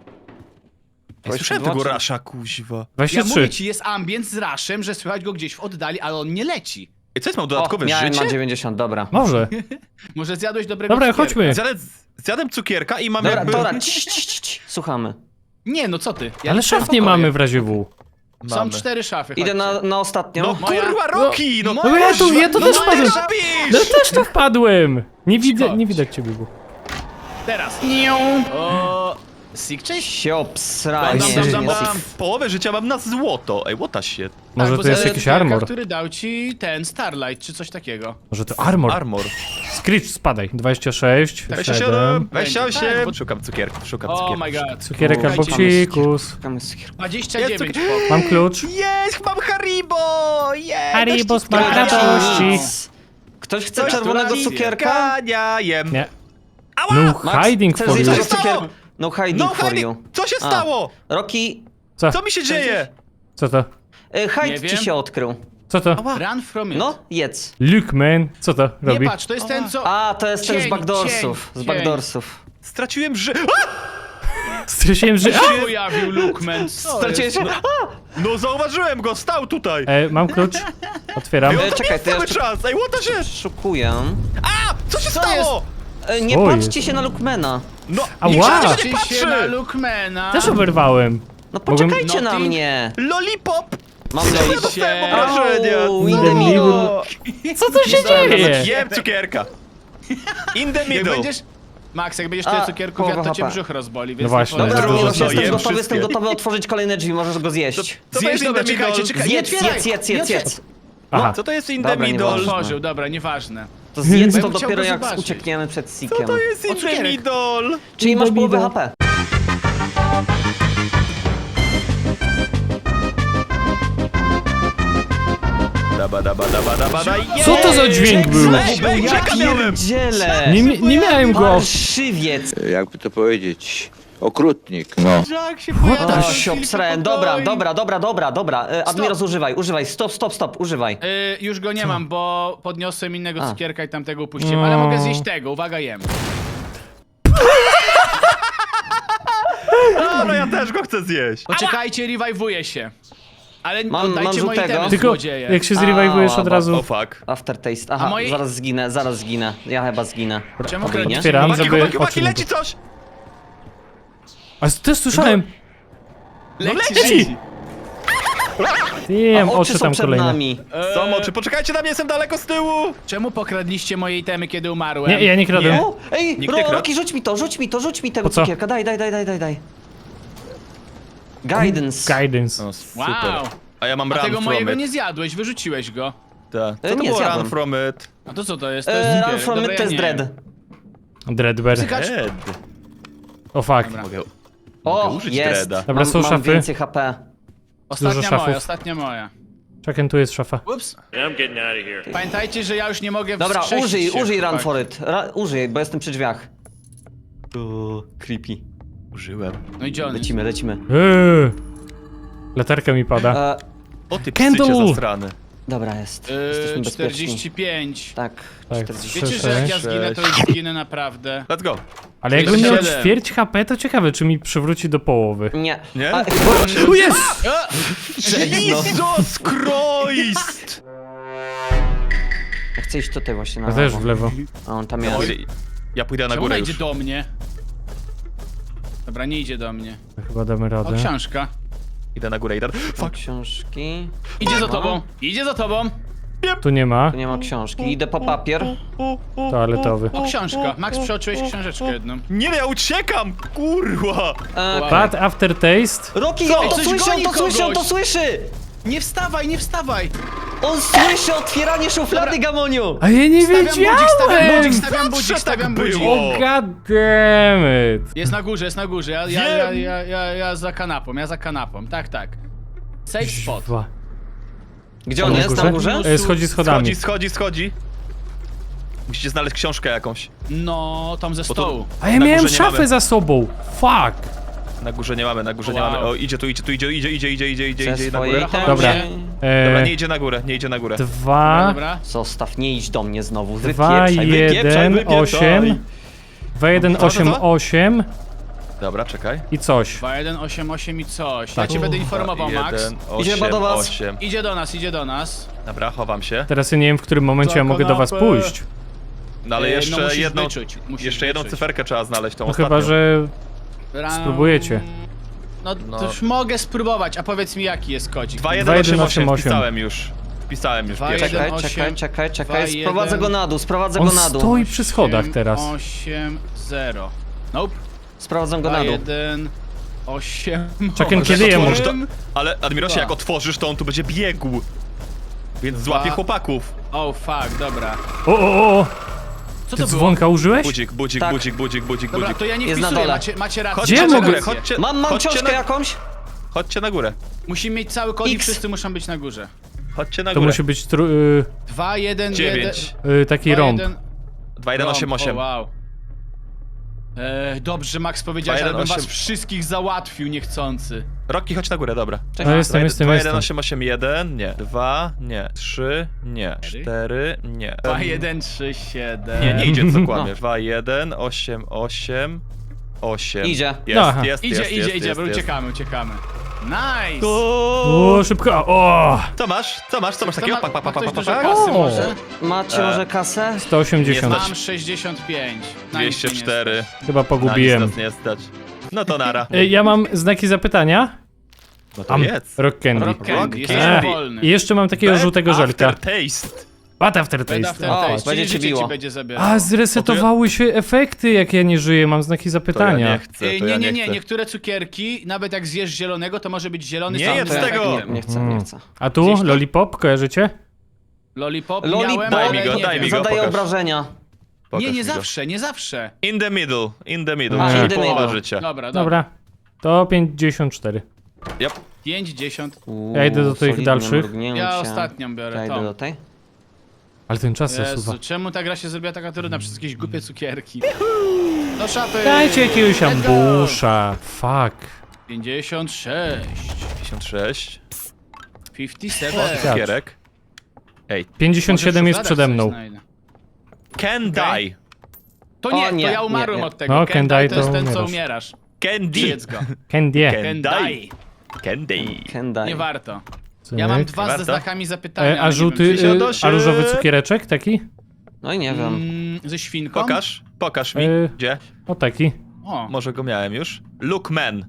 Speaker 3: Ja słyszałem tego rasza, kuźwa.
Speaker 2: Ja
Speaker 4: dwadzieścia
Speaker 2: mówię
Speaker 4: trzy.
Speaker 2: ci, jest ambient z raszem, że słychać go gdzieś w oddali, ale on nie leci.
Speaker 3: Ej, co jest, mam
Speaker 1: O,
Speaker 3: dodatkowe
Speaker 1: miałem
Speaker 3: życie?
Speaker 1: na dziewięćdziesiąt, dobra.
Speaker 4: Może.
Speaker 2: Może zjadłeś dobrego
Speaker 4: Dobra,
Speaker 2: cukierka.
Speaker 4: chodźmy.
Speaker 3: Zjadłem, zjadłem cukierka i mam
Speaker 1: Dobra,
Speaker 3: jakby...
Speaker 1: dobra, cii, cii, cii, cii. Słuchamy.
Speaker 2: Nie, no co ty? Ja
Speaker 4: Ale
Speaker 2: liczyłem
Speaker 4: szaf nie
Speaker 2: pokoje.
Speaker 4: mamy w razie W.
Speaker 2: Są
Speaker 3: Mamy.
Speaker 2: cztery szafy,
Speaker 1: Idę
Speaker 2: chodźcie.
Speaker 1: na, na ostatnią.
Speaker 3: No
Speaker 2: Moja-
Speaker 3: kurwa, Roki! No,
Speaker 2: No
Speaker 4: No ja tu, ja tu
Speaker 3: no
Speaker 4: też
Speaker 3: no
Speaker 4: wpadłem.
Speaker 3: też
Speaker 4: No
Speaker 3: robisz!
Speaker 4: też tu wpadłem. Nie widzę,
Speaker 2: Cicho.
Speaker 4: nie widać ciebie. Bu.
Speaker 2: Teraz. O, Sig, cześć.
Speaker 1: Się obsrałem.
Speaker 2: Dam,
Speaker 1: Nie,
Speaker 2: dam, dam,
Speaker 1: nie,
Speaker 2: dam.
Speaker 1: nie.
Speaker 3: Połowę życia mam na złoto. Ej, what the shit?
Speaker 4: Może
Speaker 2: Tak, bo
Speaker 4: to jest
Speaker 2: za
Speaker 4: jakiś
Speaker 2: cukierka,
Speaker 4: armor.
Speaker 2: który dał ci ten Starlight, czy coś takiego.
Speaker 4: Może to armor.
Speaker 3: Armor.
Speaker 4: Screech, spadaj. dwadzieścia sześć,
Speaker 3: dwadzieścia
Speaker 4: siedem.
Speaker 3: siedem,
Speaker 2: Tak,
Speaker 3: dwadzieścia
Speaker 2: bo-
Speaker 3: osiem. Szukam cukierków, szukam
Speaker 2: Oh
Speaker 3: cukierków.
Speaker 2: my god.
Speaker 4: Cukierek albo
Speaker 2: Słuchajcie,
Speaker 4: psikus.
Speaker 1: Szukamy cukierku.
Speaker 2: dwadzieścia
Speaker 3: Jest
Speaker 2: dziewięć
Speaker 3: cukier-
Speaker 2: pok.
Speaker 4: Mam klucz.
Speaker 3: Jest, mam Haribo! Jest!
Speaker 4: Haribo smak
Speaker 2: Dobra,
Speaker 4: radości.
Speaker 1: Nic. Ktoś chce czerwonego cukierka?
Speaker 3: Ja jem.
Speaker 4: Nie.
Speaker 3: Ała!
Speaker 4: No
Speaker 1: Max,
Speaker 4: hiding
Speaker 1: chcesz
Speaker 4: for
Speaker 1: zjeść
Speaker 4: you.
Speaker 1: tego
Speaker 3: Co się stało?
Speaker 1: cukierka? No hiding
Speaker 3: No,
Speaker 1: for
Speaker 3: Harry,
Speaker 1: you.
Speaker 3: co się
Speaker 1: A.
Speaker 3: stało?
Speaker 1: Rocky,
Speaker 4: Co?
Speaker 3: Co mi się dzieje?
Speaker 4: Co to?
Speaker 1: y, hide
Speaker 2: Nie
Speaker 1: ci
Speaker 2: wiem.
Speaker 1: się odkrył.
Speaker 4: Co to?
Speaker 2: Run from it.
Speaker 1: No, jedz.
Speaker 4: Luke man. Co to
Speaker 2: Nie
Speaker 4: robi?
Speaker 2: patrz, to jest ten co...
Speaker 1: A, to jest ten z
Speaker 2: Cień,
Speaker 1: backdoorsów.
Speaker 2: cień,
Speaker 1: Z backdoorsów.
Speaker 3: Straciłem ży...
Speaker 4: Straciłem, że...
Speaker 2: się pojawił Lookman. Co
Speaker 1: Straciłeś
Speaker 2: jest?
Speaker 1: się?
Speaker 3: No zauważyłem go, stał tutaj.
Speaker 4: E, mam klucz. Otwieram.
Speaker 3: Ej, on
Speaker 1: E,
Speaker 3: tam
Speaker 1: czekaj,
Speaker 3: jest
Speaker 1: to
Speaker 3: cały
Speaker 1: jeszcze-
Speaker 3: czas. Ej, what the shit?
Speaker 1: Szukuję.
Speaker 3: A! Co się
Speaker 2: Co
Speaker 3: stało?
Speaker 1: E, Nie
Speaker 4: Co
Speaker 1: patrzcie
Speaker 4: jest?
Speaker 1: się na Lookmana.
Speaker 3: No,
Speaker 4: Ała!
Speaker 3: nikt się nie
Speaker 2: Patrzcie się na
Speaker 3: patrzy!
Speaker 2: Lookmana.
Speaker 4: Też oberwałem.
Speaker 1: No
Speaker 4: Mogłem-
Speaker 1: poczekajcie na
Speaker 2: Nothing?
Speaker 1: mnie.
Speaker 3: Lollipop!
Speaker 1: Mam
Speaker 3: Ja
Speaker 1: lejść.
Speaker 3: dostałem
Speaker 2: się-
Speaker 3: obrażenia.
Speaker 1: Au, in
Speaker 4: the
Speaker 1: the middle.
Speaker 4: middle. Co tu się dzieje?
Speaker 3: Jem cukierka. In the
Speaker 2: Jak
Speaker 3: middle.
Speaker 2: będziesz... Max, jak będziesz
Speaker 1: A,
Speaker 2: tyle cukierków,
Speaker 1: połowa
Speaker 2: ja to cię
Speaker 1: H P.
Speaker 2: brzuch rozboli, więc
Speaker 4: No właśnie.
Speaker 2: nie
Speaker 1: Dobra,
Speaker 4: Trudno,
Speaker 1: Rocky, jestem
Speaker 3: jem
Speaker 1: gotowy, jestem
Speaker 3: wszystkie.
Speaker 1: gotowy otworzyć kolejne drzwi, możesz go zjeść.
Speaker 3: Co to
Speaker 2: Zjedz,
Speaker 3: jest in
Speaker 2: dobra,
Speaker 3: the
Speaker 2: czekajcie,
Speaker 3: middle?
Speaker 2: czekajcie.
Speaker 1: Zjedz,
Speaker 2: nie
Speaker 1: jedz,
Speaker 2: otwieraj,
Speaker 1: jedz,
Speaker 2: nie
Speaker 1: jedz, jedz.
Speaker 2: otwieraj.
Speaker 4: Aha.
Speaker 3: Co to jest in
Speaker 1: Dobra,
Speaker 3: the middle?
Speaker 1: nieważne.
Speaker 2: Otworzył, dobra, nieważne.
Speaker 1: To zjedz
Speaker 2: Bo
Speaker 1: to
Speaker 2: ja bym chciał
Speaker 1: dopiero
Speaker 2: go
Speaker 1: jak
Speaker 2: zobaczyć.
Speaker 1: uciekniemy przed
Speaker 3: Co
Speaker 1: Sikiem.
Speaker 3: to jest in
Speaker 2: O,
Speaker 3: the
Speaker 2: cukierek.
Speaker 3: middle?
Speaker 1: Czyli masz
Speaker 4: Idę,
Speaker 1: połowę
Speaker 4: idę.
Speaker 1: H P.
Speaker 3: Daba, daba, daba, daba, da,
Speaker 4: Co to za dźwięk był?
Speaker 3: Ej, ej,
Speaker 1: Ja
Speaker 3: czeka miałem.
Speaker 1: pierdzielę.
Speaker 4: Nie, mi- nie miałem go.
Speaker 1: Parszywiec.
Speaker 5: jakby to powiedzieć, okrutnik, no.
Speaker 2: Jak się
Speaker 1: O,
Speaker 2: pojawia
Speaker 1: się obsrałem. Dobra, dobra, dobra, dobra, dobra. E, Admiros, używaj, używaj. Stop, stop, stop, używaj.
Speaker 2: Y, już go nie mam, bo podniosłem innego
Speaker 1: A.
Speaker 2: cukierka i tamtego upuściłem,
Speaker 4: No.
Speaker 2: ale mogę zjeść tego, uwaga, jem.
Speaker 3: Dobra, ja też go chcę zjeść.
Speaker 2: Poczekajcie, rewajwuję się. Ale
Speaker 1: Mam-
Speaker 2: oddajcie
Speaker 1: mam
Speaker 2: moje
Speaker 1: żółtego.
Speaker 2: itemy,
Speaker 4: Tylko
Speaker 2: złodzieje.
Speaker 4: jak się zrewajwujesz od
Speaker 1: Ała,
Speaker 3: O
Speaker 4: razu.
Speaker 3: fuck.
Speaker 1: Aftertaste. Aha,
Speaker 2: A moi-
Speaker 1: zaraz zginę, zaraz zginę. Ja chyba zginę.
Speaker 2: Czemu
Speaker 1: Oby nie.
Speaker 2: kręcicie?
Speaker 4: Otwieram,
Speaker 3: Chłopaki,
Speaker 4: żeby
Speaker 3: chłopaki, chłopaki,
Speaker 4: oczy
Speaker 3: leci coś!
Speaker 4: A też słyszałem.
Speaker 2: Leci,
Speaker 3: leci.
Speaker 4: Wiem,
Speaker 1: A
Speaker 4: oczy
Speaker 1: oczy są
Speaker 4: tam
Speaker 1: przed
Speaker 4: kolejne.
Speaker 1: nami.
Speaker 3: Są oczy, poczekajcie na mnie, jestem daleko z tyłu!
Speaker 2: Czemu pokradliście moje itemy, kiedy umarłem?
Speaker 4: Nie, ja nie kradłem.
Speaker 3: Nie.
Speaker 1: O, ej,
Speaker 3: Nikt nie
Speaker 1: Ro,
Speaker 3: kradł?
Speaker 1: Rocky, rzuć mi to, rzuć mi to, rzuć mi tego
Speaker 4: Po co?
Speaker 1: cukierka. Daj, daj, daj, daj, daj, daj. Guidance.
Speaker 4: Guidance.
Speaker 3: No, super.
Speaker 2: Wow.
Speaker 3: A ja mam
Speaker 2: A
Speaker 3: run
Speaker 2: tego
Speaker 3: from
Speaker 2: mojego
Speaker 3: it.
Speaker 2: nie zjadłeś, wyrzuciłeś go.
Speaker 3: Tak. Co
Speaker 1: E,
Speaker 3: to
Speaker 1: nie,
Speaker 3: było
Speaker 1: zjadłem.
Speaker 3: run from it?
Speaker 2: A to co to jest? To jest
Speaker 1: E, Run
Speaker 2: cukierek.
Speaker 1: from
Speaker 2: Dobra,
Speaker 1: it
Speaker 2: ja
Speaker 1: to jest
Speaker 2: nie
Speaker 1: dread.
Speaker 2: jem.
Speaker 4: Dreadbear.
Speaker 2: Psykacz.
Speaker 3: Ed.
Speaker 4: O fuck.
Speaker 2: Dobra.
Speaker 3: Mogę, mogę
Speaker 1: O,
Speaker 3: użyć
Speaker 1: jest.
Speaker 3: dreada.
Speaker 4: Dobra,
Speaker 1: mam,
Speaker 4: są
Speaker 1: mam
Speaker 4: szafy.
Speaker 1: więcej H P.
Speaker 2: Ostatnia
Speaker 4: szafów.
Speaker 2: moja, ostatnia moja.
Speaker 4: Czekaj, tu jest szafa.
Speaker 2: Ups.
Speaker 6: Yeah, I'm getting out of here.
Speaker 2: Pamiętajcie, że ja już nie mogę
Speaker 1: Dobra,
Speaker 2: wskrzesić
Speaker 1: użyj,
Speaker 2: się,
Speaker 1: użyj run
Speaker 2: chłopaki.
Speaker 1: for it. Ra, użyj, bo jestem przy drzwiach. O, creepy.
Speaker 3: Użyłem.
Speaker 2: No i Johnny.
Speaker 1: Lecimy, lecimy.
Speaker 4: Eee. Latarka mi pada.
Speaker 1: E,
Speaker 3: O ty
Speaker 4: Candle!
Speaker 3: psycie zasrany.
Speaker 1: Dobra, jest.
Speaker 2: Yy,
Speaker 1: Jesteśmy bezpieczni.
Speaker 2: czterdzieści pięć.
Speaker 1: Tak,
Speaker 4: Tak,
Speaker 1: czterdzieści
Speaker 2: Wiecie, że jak ja
Speaker 4: Sześć.
Speaker 2: zginę, to już zginę naprawdę.
Speaker 3: Let's go.
Speaker 4: Ale jakbym miał
Speaker 2: siedem.
Speaker 4: ćwierć H P, to ciekawe, czy mi przywróci do połowy.
Speaker 1: Nie.
Speaker 3: Nie?
Speaker 1: A,
Speaker 4: O jest!
Speaker 3: Jesus Christ!
Speaker 1: ja chcę iść tutaj właśnie na
Speaker 4: Ja też
Speaker 1: lewo.
Speaker 4: w lewo.
Speaker 1: A on tam
Speaker 3: Ja
Speaker 1: jest.
Speaker 3: pójdę, ja pójdę na
Speaker 2: Czemu
Speaker 3: górę
Speaker 2: ona
Speaker 3: już.
Speaker 2: idzie do mnie? Dobra, nie idzie do mnie.
Speaker 4: Chyba damy
Speaker 2: O,
Speaker 4: radę.
Speaker 2: książka.
Speaker 3: Idę na górę, idę.
Speaker 1: Fuck.
Speaker 3: Fuck.
Speaker 1: Książki.
Speaker 2: Idzie za
Speaker 1: No.
Speaker 2: tobą, idzie za tobą.
Speaker 4: Tu nie ma.
Speaker 1: Tu nie ma książki. Idę po papier.
Speaker 4: Toaletowy.
Speaker 2: O, książka. Max, przeoczyłeś książeczkę jedną.
Speaker 3: Nie, ja uciekam! Kurwa!
Speaker 1: E,
Speaker 2: Wow.
Speaker 4: Bad aftertaste.
Speaker 1: Rocky,
Speaker 2: Co?
Speaker 1: on to
Speaker 2: Coś
Speaker 1: słyszy, on
Speaker 2: goni
Speaker 1: to słyszy, on to
Speaker 2: kogoś.
Speaker 1: słyszy!
Speaker 2: Nie wstawaj, nie wstawaj!
Speaker 1: On słyszy otwieranie szuflady,
Speaker 2: Dobra.
Speaker 1: Gamoniu!
Speaker 4: A ja nie
Speaker 2: Stawiam budzik, stawiam budzik,
Speaker 4: wiedziałem!
Speaker 2: stawiam budzik,
Speaker 3: tak
Speaker 2: stawiam
Speaker 3: było.
Speaker 2: budzik.
Speaker 4: O god damn it!
Speaker 2: Jest na górze, jest na górze. Ja, ja, ja, ja, ja, ja za kanapą, ja za kanapą. Tak, tak. Safe spot.
Speaker 4: Dwa.
Speaker 1: Gdzie on jest? Na górze?
Speaker 4: E, Schodzi schodami.
Speaker 3: Schodzi, schodzi, schodzi. Musicie znaleźć książkę jakąś.
Speaker 2: No, tam ze
Speaker 3: Bo to-
Speaker 2: stołu.
Speaker 4: A ja
Speaker 3: Na
Speaker 4: miałem
Speaker 3: górze nie
Speaker 4: szafę
Speaker 3: mamy.
Speaker 4: za sobą. Fuck!
Speaker 3: Na górze nie mamy, na górze nie
Speaker 2: Wow.
Speaker 3: mamy. O, idzie tu, idzie tu, idzie, idzie, idzie, idzie, idzie, idzie,
Speaker 1: Ze
Speaker 3: idzie na
Speaker 1: swojej
Speaker 3: górę.
Speaker 1: tam-
Speaker 4: Dobra.
Speaker 1: się-
Speaker 3: Dobra,
Speaker 4: E,
Speaker 3: nie idzie na górę, nie idzie na górę.
Speaker 2: Dobra,
Speaker 4: dwa,
Speaker 2: dobra.
Speaker 1: Zostaw, nie idź do mnie znowu.
Speaker 4: dwa,
Speaker 1: Wypieprzaj, wypieprzaj,
Speaker 4: jeden,
Speaker 1: wypieprzaj.
Speaker 4: osiem. Dwa, jeden,
Speaker 3: Co, co,
Speaker 4: osiem,
Speaker 3: co?
Speaker 4: osiem
Speaker 3: Dobra, czekaj.
Speaker 4: i coś.
Speaker 2: dwa jeden osiem osiem i coś.
Speaker 4: Tak.
Speaker 2: Ja cię będę informował, Max.
Speaker 3: jeden,
Speaker 1: Idzie chyba do was.
Speaker 3: osiem.
Speaker 2: Idzie do nas, idzie do nas.
Speaker 3: Dobra, chowam się.
Speaker 4: Teraz ja nie wiem, w którym momencie
Speaker 2: Za
Speaker 4: ja mogę do was
Speaker 2: kanapę.
Speaker 4: pójść.
Speaker 3: No ale
Speaker 2: E, no
Speaker 3: jeszcze
Speaker 2: musisz
Speaker 3: jedną,
Speaker 2: wyczuć, musisz
Speaker 3: jeszcze jedną
Speaker 2: wyczuć.
Speaker 3: cyferkę trzeba znaleźć, tą
Speaker 4: No
Speaker 3: ostatnią.
Speaker 4: chyba, że
Speaker 2: Ram-
Speaker 4: spróbujecie.
Speaker 2: No,
Speaker 3: No.
Speaker 2: to już mogę spróbować, a powiedz mi jaki jest kodzik.
Speaker 3: dwa jeden osiem osiem,
Speaker 4: osiem osiem.
Speaker 3: wpisałem już. Wpisałem już
Speaker 2: Dwa,
Speaker 3: pierwszy.
Speaker 2: jeden,
Speaker 1: Czekaj,
Speaker 2: osiem,
Speaker 1: czekaj, czekaj,
Speaker 2: dwa,
Speaker 1: czekaj. Sprowadzę
Speaker 2: jeden.
Speaker 1: go na dół, sprowadzę
Speaker 4: On
Speaker 1: go na dół.
Speaker 4: stoi przy schodach teraz.
Speaker 2: osiem zero. Nope.
Speaker 1: Sprowadzę go
Speaker 2: dwa
Speaker 1: na dół.
Speaker 2: jeden osiem.
Speaker 4: Czekaj,
Speaker 3: Jak
Speaker 4: kiedy jemu?
Speaker 3: otworzysz to, ale Admirosie,
Speaker 2: Dwa.
Speaker 3: jak otworzysz, to on tu będzie biegł. Więc złapie
Speaker 2: Dwa.
Speaker 3: chłopaków.
Speaker 2: Oh fuck, dobra.
Speaker 4: O, o, o!
Speaker 2: Co
Speaker 4: Ty
Speaker 2: to było?
Speaker 4: dzwonka użyłeś?
Speaker 3: Budzik, budzik,
Speaker 1: Tak.
Speaker 3: budzik, budzik, budzik,
Speaker 2: Dobra,
Speaker 3: budzik.
Speaker 2: to ja nie
Speaker 1: Jest na
Speaker 2: wpisuję,
Speaker 1: dole.
Speaker 2: macie, macie rację.
Speaker 3: Chodźcie
Speaker 4: Gdzie
Speaker 3: na
Speaker 4: mogę-
Speaker 3: górę, chodźcie,
Speaker 1: Mam, mam
Speaker 3: chodźcie
Speaker 1: książkę
Speaker 3: na,
Speaker 1: jakąś?
Speaker 3: chodźcie na górę.
Speaker 2: Musimy mieć cały kod i
Speaker 1: X.
Speaker 2: wszyscy muszą być na górze.
Speaker 3: Chodźcie na
Speaker 4: To
Speaker 3: górę.
Speaker 4: musi być tru, y,
Speaker 2: dwa jeden jeden.
Speaker 3: dziewięć.
Speaker 4: y, taki rąb.
Speaker 3: dwa jeden osiem osiem.
Speaker 2: O, wow. E, dobrze, Max powiedziałeś,
Speaker 3: dwa,
Speaker 2: ale
Speaker 3: jeden,
Speaker 2: bym was
Speaker 3: osiem.
Speaker 2: wszystkich załatwił niechcący.
Speaker 3: Rocky, chodź na górę, dobra.
Speaker 4: No jestem, jestem,
Speaker 3: dwa jeden
Speaker 4: jestem.
Speaker 3: osiem osiem jeden, nie. dwa, nie. trzy, nie. cztery, nie.
Speaker 2: dwa jeden trzy siedem.
Speaker 3: Nie, nie idzie, co kłamiesz. dwa jeden osiem osiem osiem.
Speaker 1: Idzie.
Speaker 3: Jest,
Speaker 4: Aha.
Speaker 3: jest,
Speaker 2: Idzie,
Speaker 3: jest,
Speaker 2: idzie,
Speaker 3: jest,
Speaker 2: idzie,
Speaker 3: jest,
Speaker 2: bo
Speaker 3: jest.
Speaker 2: uciekamy, uciekamy. Nice!
Speaker 4: O, szybko! O!
Speaker 3: Co masz? Co masz? Co masz
Speaker 2: Co
Speaker 3: takiego?
Speaker 2: ma-
Speaker 3: Pak, pak,
Speaker 2: ma
Speaker 3: pak,
Speaker 2: ktoś
Speaker 3: pak,
Speaker 2: dużo
Speaker 3: pak.
Speaker 2: kasy
Speaker 4: O!
Speaker 2: może?
Speaker 1: Macie
Speaker 3: E.
Speaker 1: może kasę?
Speaker 4: sto osiemdziesiąt.
Speaker 3: Nie
Speaker 2: Mam sześćdziesiąt pięć. Na nic
Speaker 3: dwieście
Speaker 2: mnie nie
Speaker 3: cztery.
Speaker 4: Chyba
Speaker 3: Na nic
Speaker 4: pogubiłem.
Speaker 3: nas nie stać. No to nara.
Speaker 4: Y, Ja mam znaki zapytania.
Speaker 3: No to
Speaker 4: Am,
Speaker 3: jedz.
Speaker 4: rock candy.
Speaker 2: Rock Candy,
Speaker 3: Rock
Speaker 2: jesteś
Speaker 3: Candy.
Speaker 2: wolny.
Speaker 4: I jeszcze mam takiego
Speaker 3: Bad
Speaker 4: żółtego żelka.
Speaker 3: aftertaste.
Speaker 4: Bad
Speaker 2: Bad
Speaker 4: aftertaste.
Speaker 2: aftertaste,
Speaker 1: O,
Speaker 2: czyli
Speaker 1: będzie ci
Speaker 2: życie
Speaker 1: biło.
Speaker 2: ci będzie zabierał.
Speaker 4: A, zresetowały się efekty, jak ja nie żyję. Mam znaki
Speaker 3: To ja
Speaker 4: zapytania.
Speaker 3: nie chcę,
Speaker 2: Ej,
Speaker 3: to
Speaker 2: nie,
Speaker 3: ja
Speaker 2: nie,
Speaker 3: nie
Speaker 2: nie,
Speaker 3: chcę.
Speaker 2: niektóre cukierki, nawet jak zjesz zielonego, to może być zielony
Speaker 3: Nie
Speaker 2: sam
Speaker 3: jedz
Speaker 2: tym
Speaker 3: tego!
Speaker 2: efektem.
Speaker 1: Nie, nie chcę,
Speaker 4: Mm.
Speaker 1: nie chcę.
Speaker 4: A tu
Speaker 2: Gdzieś tam-
Speaker 4: lollipop, kojarzycie?
Speaker 2: Lollipop,
Speaker 1: Lollipop.
Speaker 2: miałem,
Speaker 3: Daj
Speaker 2: ale
Speaker 3: mi go,
Speaker 2: nie
Speaker 3: daj
Speaker 2: wiem.
Speaker 3: mi go.
Speaker 1: Zadaję
Speaker 3: pokaż.
Speaker 1: obrażenia.
Speaker 3: Pokaż
Speaker 2: Nie, nie
Speaker 3: mi go.
Speaker 2: zawsze, nie zawsze.
Speaker 3: In the middle, in the middle,
Speaker 4: A,
Speaker 3: czyli
Speaker 1: in the
Speaker 3: połowa
Speaker 1: middle.
Speaker 3: życia.
Speaker 2: Dobra, dobra.
Speaker 4: Dobra. To pięćdziesiąt cztery.
Speaker 3: Yep.
Speaker 2: pięćdziesiąt.
Speaker 4: Ja idę do tych
Speaker 1: solidne
Speaker 4: dalszych.
Speaker 1: mrugnięcie.
Speaker 2: Ja ostatnią biorę,
Speaker 1: Ja idę
Speaker 2: tą.
Speaker 1: do tej.
Speaker 4: Ale ten czas zasuwa.
Speaker 2: Jezu, czemu ta gra się zrobiła taka trudna przez jakieś głupie cukierki? Do szafy!
Speaker 4: Dajcie jakiegoś
Speaker 2: Let's go!
Speaker 4: ambusza. Fuck.
Speaker 2: pięćdziesiąt sześć.
Speaker 3: pięćdziesiąt sześć.
Speaker 2: pięćdziesiąt siedem.
Speaker 4: Tak.
Speaker 3: Cukierek. Ej.
Speaker 4: pięćdziesiąt siedem
Speaker 2: Może
Speaker 4: jest
Speaker 2: w
Speaker 4: przede
Speaker 2: szufladach
Speaker 4: mną.
Speaker 2: coś znajdę.
Speaker 3: Can
Speaker 2: Okej.
Speaker 3: die.
Speaker 2: To nie,
Speaker 1: O, nie,
Speaker 2: to ja umarłem
Speaker 1: nie, nie.
Speaker 2: od tego.
Speaker 4: No,
Speaker 2: Ken
Speaker 4: Ken
Speaker 2: Die
Speaker 4: Die
Speaker 2: to jest
Speaker 4: to
Speaker 2: ten, co
Speaker 4: umierasz.
Speaker 2: umierasz.
Speaker 3: Candy.
Speaker 2: Jedz go.
Speaker 4: Candy.
Speaker 3: Ken
Speaker 2: Ken
Speaker 3: Die.
Speaker 2: Die.
Speaker 3: Candy.
Speaker 1: Kendai.
Speaker 2: Nie warto.
Speaker 4: Cyk.
Speaker 2: Ja mam dwa
Speaker 3: Warto?
Speaker 2: ze znakami zapytania.
Speaker 4: E,
Speaker 2: ale
Speaker 4: a
Speaker 2: nie
Speaker 4: żółty,
Speaker 2: wiem, czy-
Speaker 4: y, a różowy cukiereczek taki?
Speaker 1: No i nie wiem.
Speaker 2: Mm, ze świnką?
Speaker 3: Pokaż, pokaż mi.
Speaker 4: E,
Speaker 3: Gdzie?
Speaker 4: O taki.
Speaker 2: O,
Speaker 3: Może go miałem już. Look man.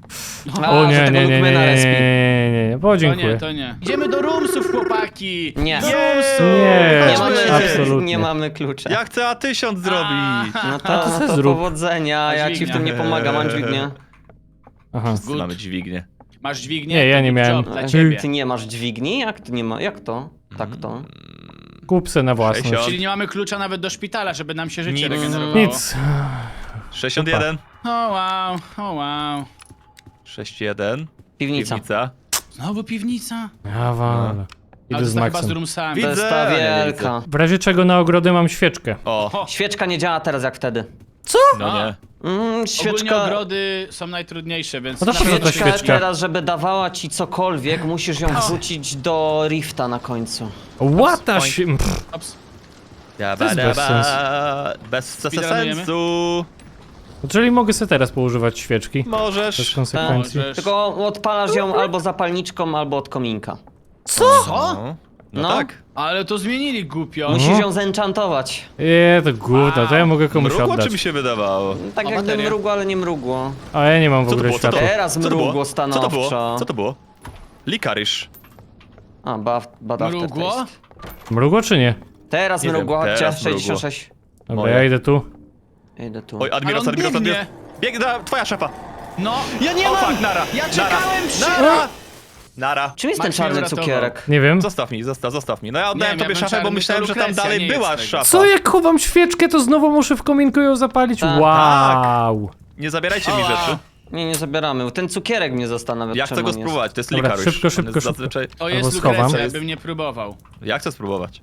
Speaker 1: A,
Speaker 4: O
Speaker 1: że
Speaker 4: nie,
Speaker 1: tego
Speaker 4: nie, nie, nie,
Speaker 1: Lookmana
Speaker 4: nie,
Speaker 1: respi.
Speaker 4: nie, nie, nie. Bo
Speaker 2: to
Speaker 4: dziękuję.
Speaker 2: nie, to nie. Idziemy do roomsów, chłopaki!
Speaker 1: Nie.
Speaker 2: Do
Speaker 3: Nie.
Speaker 2: roomsów!
Speaker 4: Nie,
Speaker 1: Nie mamy,
Speaker 4: absolutnie.
Speaker 1: nie mamy klucza.
Speaker 3: Ja chcę A tysiąc zrobić.
Speaker 1: No to,
Speaker 4: A to
Speaker 1: no
Speaker 4: se
Speaker 1: to
Speaker 4: zrób.
Speaker 1: powodzenia, ja ci w tym nie pomagam, mam dźwignię.
Speaker 4: Aha.
Speaker 3: Wszyscy mamy dźwignię.
Speaker 2: Masz dźwignię?
Speaker 4: Nie, ja
Speaker 2: To
Speaker 4: nie
Speaker 2: good
Speaker 4: miałem.
Speaker 2: job Dla
Speaker 1: Ty
Speaker 2: ciebie.
Speaker 1: nie masz dźwigni? Jak to nie ma? Jak to? Tak to?
Speaker 4: Kup se na własność.
Speaker 3: Sześćdziesiąt.
Speaker 2: Czyli nie mamy klucza nawet do szpitala, żeby nam się życie
Speaker 3: Nic.
Speaker 2: regenerowało.
Speaker 4: Nic.
Speaker 3: sześćdziesiąt jeden.
Speaker 2: O wow, o wow.
Speaker 3: sześćdziesiąt jeden.
Speaker 1: Piwnica.
Speaker 3: Piwnica.
Speaker 2: Znowu piwnica?
Speaker 4: Ja walę.
Speaker 2: Ale
Speaker 4: Idę
Speaker 2: to
Speaker 4: z
Speaker 2: jest chyba z
Speaker 4: Maxem.
Speaker 2: roomsami.
Speaker 1: To jest
Speaker 3: Widzę,
Speaker 1: ta
Speaker 3: nie
Speaker 1: wielka.
Speaker 4: W razie czego na ogrodę mam świeczkę.
Speaker 3: O.
Speaker 1: Świeczka nie działa teraz jak wtedy.
Speaker 4: Co?
Speaker 3: No nie.
Speaker 1: Mm,
Speaker 2: Ogólnie
Speaker 1: świeczka...
Speaker 2: ogrody są najtrudniejsze, więc...
Speaker 4: No to po co ta
Speaker 1: Świeczka
Speaker 4: świeczka?
Speaker 1: teraz, żeby dawała ci cokolwiek, musisz ją wrzucić do rifta na końcu.
Speaker 4: Łata się... Pff,
Speaker 2: Ops.
Speaker 3: Ja
Speaker 4: To jest
Speaker 3: bada,
Speaker 4: bez
Speaker 3: ba, bez
Speaker 2: Speedrunujemy?
Speaker 3: sensu.
Speaker 4: czyli mogę sobie teraz poużywać świeczki. Bez
Speaker 3: Możesz.
Speaker 4: konsekwencji.
Speaker 2: Możesz.
Speaker 1: Tylko odpalasz ją albo zapalniczką, albo od kominka.
Speaker 4: Co?
Speaker 2: Co?
Speaker 3: No, no
Speaker 1: No.
Speaker 3: tak.
Speaker 2: Ale to zmienili głupio.
Speaker 1: Musisz
Speaker 4: Mhm.
Speaker 1: ją zenchantować.
Speaker 4: Nie, to gówno, to ja mogę komuś
Speaker 3: Mrugło czy
Speaker 4: oddać.
Speaker 3: mi się wydawało?
Speaker 1: Tak
Speaker 2: O,
Speaker 1: jakby
Speaker 2: bateria.
Speaker 1: mrugło, ale nie mrugło.
Speaker 4: A ja nie mam w
Speaker 3: Co to
Speaker 4: ogóle
Speaker 3: było? Co to
Speaker 4: światła.
Speaker 1: Teraz
Speaker 3: Co to
Speaker 1: mrugło
Speaker 3: było? Co to
Speaker 1: stanowczo.
Speaker 3: było? Co to było? Likarisz.
Speaker 1: A, bad, bad
Speaker 2: Mrugło?
Speaker 1: aftertaste.
Speaker 4: Mrugło czy nie?
Speaker 1: Teraz
Speaker 3: Nie wiem,
Speaker 1: mrugło, chodźcie,
Speaker 3: teraz mrugło.
Speaker 1: sześćdziesiąt sześć.
Speaker 4: Dobra,
Speaker 3: Moje.
Speaker 4: ja idę tu.
Speaker 1: Idę tu.
Speaker 3: Oj, Admiros,
Speaker 2: Ale on
Speaker 3: Admiros,
Speaker 2: biegnie.
Speaker 3: Admiros. Biegnie, twoja szefa.
Speaker 2: No,
Speaker 1: Ja nie
Speaker 3: O
Speaker 1: mam!
Speaker 3: fuck, nara.
Speaker 2: ja
Speaker 3: Nara.
Speaker 2: czekałem przy...
Speaker 3: Nara. Nara.
Speaker 1: Czym jest ten
Speaker 2: Max mnie
Speaker 1: czarny
Speaker 2: uratował.
Speaker 1: cukierek?
Speaker 4: Nie wiem.
Speaker 3: Zostaw mi, zostaw, zostaw mi. No ja oddałem
Speaker 2: Nie,
Speaker 3: tobie
Speaker 2: miałem
Speaker 3: szafę, bo
Speaker 2: czarny,
Speaker 3: myślałem,
Speaker 2: to
Speaker 3: że tam
Speaker 2: Lukrecja,
Speaker 3: dalej
Speaker 2: nie
Speaker 3: była
Speaker 2: jest tego.
Speaker 3: szafa.
Speaker 4: Co, jak chowam świeczkę, to znowu muszę w kominku ją zapalić?
Speaker 1: Tak.
Speaker 4: Wow.
Speaker 3: Nie zabierajcie mi
Speaker 2: Ała.
Speaker 3: rzeczy.
Speaker 1: Nie, nie zabieramy. Ten cukierek mnie zastanawia,
Speaker 3: Ja
Speaker 1: czemu
Speaker 3: chcę go
Speaker 1: on jest.
Speaker 3: spróbować, to jest
Speaker 4: Dobra,
Speaker 3: likarisz.
Speaker 4: szybko,
Speaker 3: On
Speaker 4: szybko,
Speaker 3: jest
Speaker 4: szybko.
Speaker 3: Zazwyczaj...
Speaker 2: To
Speaker 4: Albo
Speaker 2: jest
Speaker 4: schowam.
Speaker 2: Lukrecja, ja bym nie próbował.
Speaker 3: Ja chcę spróbować.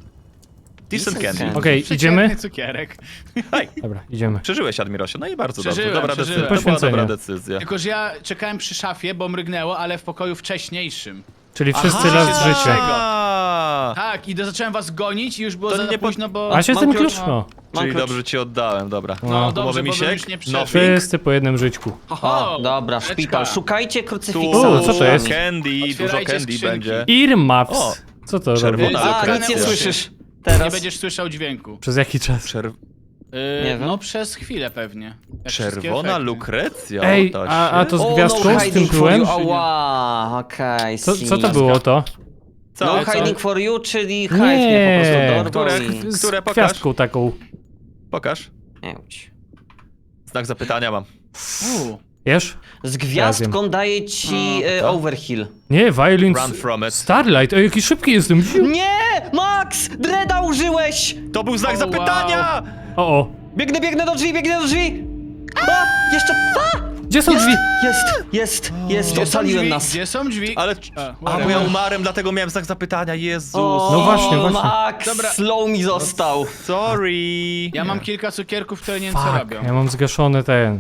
Speaker 3: Decent
Speaker 1: Decent
Speaker 3: candy.
Speaker 1: candy.
Speaker 4: Okej,
Speaker 2: Przeciętny
Speaker 4: idziemy?
Speaker 2: cukierek.
Speaker 3: Hej,
Speaker 4: Dobra, idziemy.
Speaker 3: przeżyłeś, Admirosie, no i bardzo
Speaker 2: Przeżyłem,
Speaker 3: dobrze. Dobra
Speaker 2: przeżyłem.
Speaker 3: decyzja. To była
Speaker 4: Poświęcenie.
Speaker 3: dobra decyzja.
Speaker 2: Tylko, że ja czekałem przy szafie, bo mrygnęło, ale w pokoju wcześniejszym.
Speaker 4: Czyli wszyscy
Speaker 2: Aha.
Speaker 4: raz życie.
Speaker 3: A,
Speaker 2: Tak, i do, zacząłem was gonić i już było
Speaker 3: To
Speaker 2: za
Speaker 3: nie po-
Speaker 2: późno, bo...
Speaker 4: A się
Speaker 1: Mam
Speaker 4: ten
Speaker 1: klucz.
Speaker 4: klucz? No.
Speaker 1: Mam
Speaker 3: Czyli
Speaker 1: klucz.
Speaker 3: dobrze ci oddałem, dobra.
Speaker 2: No
Speaker 4: No.
Speaker 2: dobrze,
Speaker 3: Może
Speaker 2: bo
Speaker 3: misiek?
Speaker 2: bym już nie
Speaker 3: No,
Speaker 2: przeżył.
Speaker 4: Wszyscy po jednym żyćku.
Speaker 1: O, dobra,
Speaker 2: Beczka.
Speaker 1: szpital. Szukajcie
Speaker 3: Tu,
Speaker 1: krucyfiksa.
Speaker 4: U, co to jest?
Speaker 3: Candy, dużo
Speaker 2: Otwierajcie
Speaker 3: candy
Speaker 2: skrzynki.
Speaker 3: będzie.
Speaker 2: O,
Speaker 4: Earmuffs. Co to robi?
Speaker 3: czerwona
Speaker 2: robi?
Speaker 1: A, nic nie
Speaker 3: lukrecja.
Speaker 1: słyszysz.
Speaker 2: Nie
Speaker 1: Teraz.
Speaker 2: będziesz słyszał dźwięku.
Speaker 4: Przez jaki czas?
Speaker 3: Czerw
Speaker 2: Yy,
Speaker 1: Nie wiem.
Speaker 2: No przez chwilę pewnie. Jak wszystkie
Speaker 3: czerwona
Speaker 2: efekty.
Speaker 3: lukrecja.
Speaker 4: Ej,
Speaker 3: o, to
Speaker 4: a, a
Speaker 3: się-
Speaker 4: to z
Speaker 1: O,
Speaker 4: gwiazdką,
Speaker 1: no
Speaker 4: z tym
Speaker 1: hiding for
Speaker 4: tyłem?
Speaker 1: you. Ała, okej,
Speaker 4: Co,
Speaker 1: see.
Speaker 4: co to było to?
Speaker 3: Co?
Speaker 1: No
Speaker 2: co?
Speaker 1: hiding for you, czyli hide
Speaker 4: Nie,
Speaker 1: mnie po prostu dorwał
Speaker 3: które-
Speaker 1: i...
Speaker 4: Z
Speaker 3: Które pokaż?
Speaker 4: gwiazdką taką.
Speaker 3: Pokaż.
Speaker 1: Nie łudź.
Speaker 3: Znak zapytania mam.
Speaker 2: U,
Speaker 4: Wiesz?
Speaker 1: Z gwiazdką daje ci e,
Speaker 3: to?
Speaker 1: overkill.
Speaker 4: Nie, Violent
Speaker 3: Run from it.
Speaker 4: Starlight. Ej, jaki szybki jestem.
Speaker 1: Nie! Max! Dreda użyłeś!
Speaker 3: To był znak
Speaker 2: O,
Speaker 3: zapytania!
Speaker 4: O, o.
Speaker 1: Biegnę, biegnę do drzwi, biegnę do drzwi! A! Jeszcze... A!
Speaker 4: Gdzie są drzwi?
Speaker 1: Jest, jest, jest,
Speaker 2: Gdzie są
Speaker 1: ocaliłem
Speaker 2: drzwi?
Speaker 1: nas.
Speaker 2: Gdzie są drzwi?
Speaker 3: Ale...
Speaker 2: A,
Speaker 3: A, bo
Speaker 2: whatever.
Speaker 3: ja umarłem, dlatego miałem znak zapytania, Jezus.
Speaker 1: O,
Speaker 4: No właśnie, właśnie.
Speaker 1: Max,
Speaker 2: Dobra.
Speaker 1: slow mi został.
Speaker 3: Sorry.
Speaker 2: Ja mam kilka cukierków, które nie wiem co
Speaker 4: Fuck,
Speaker 2: robią.
Speaker 4: ja mam zgaszony ten.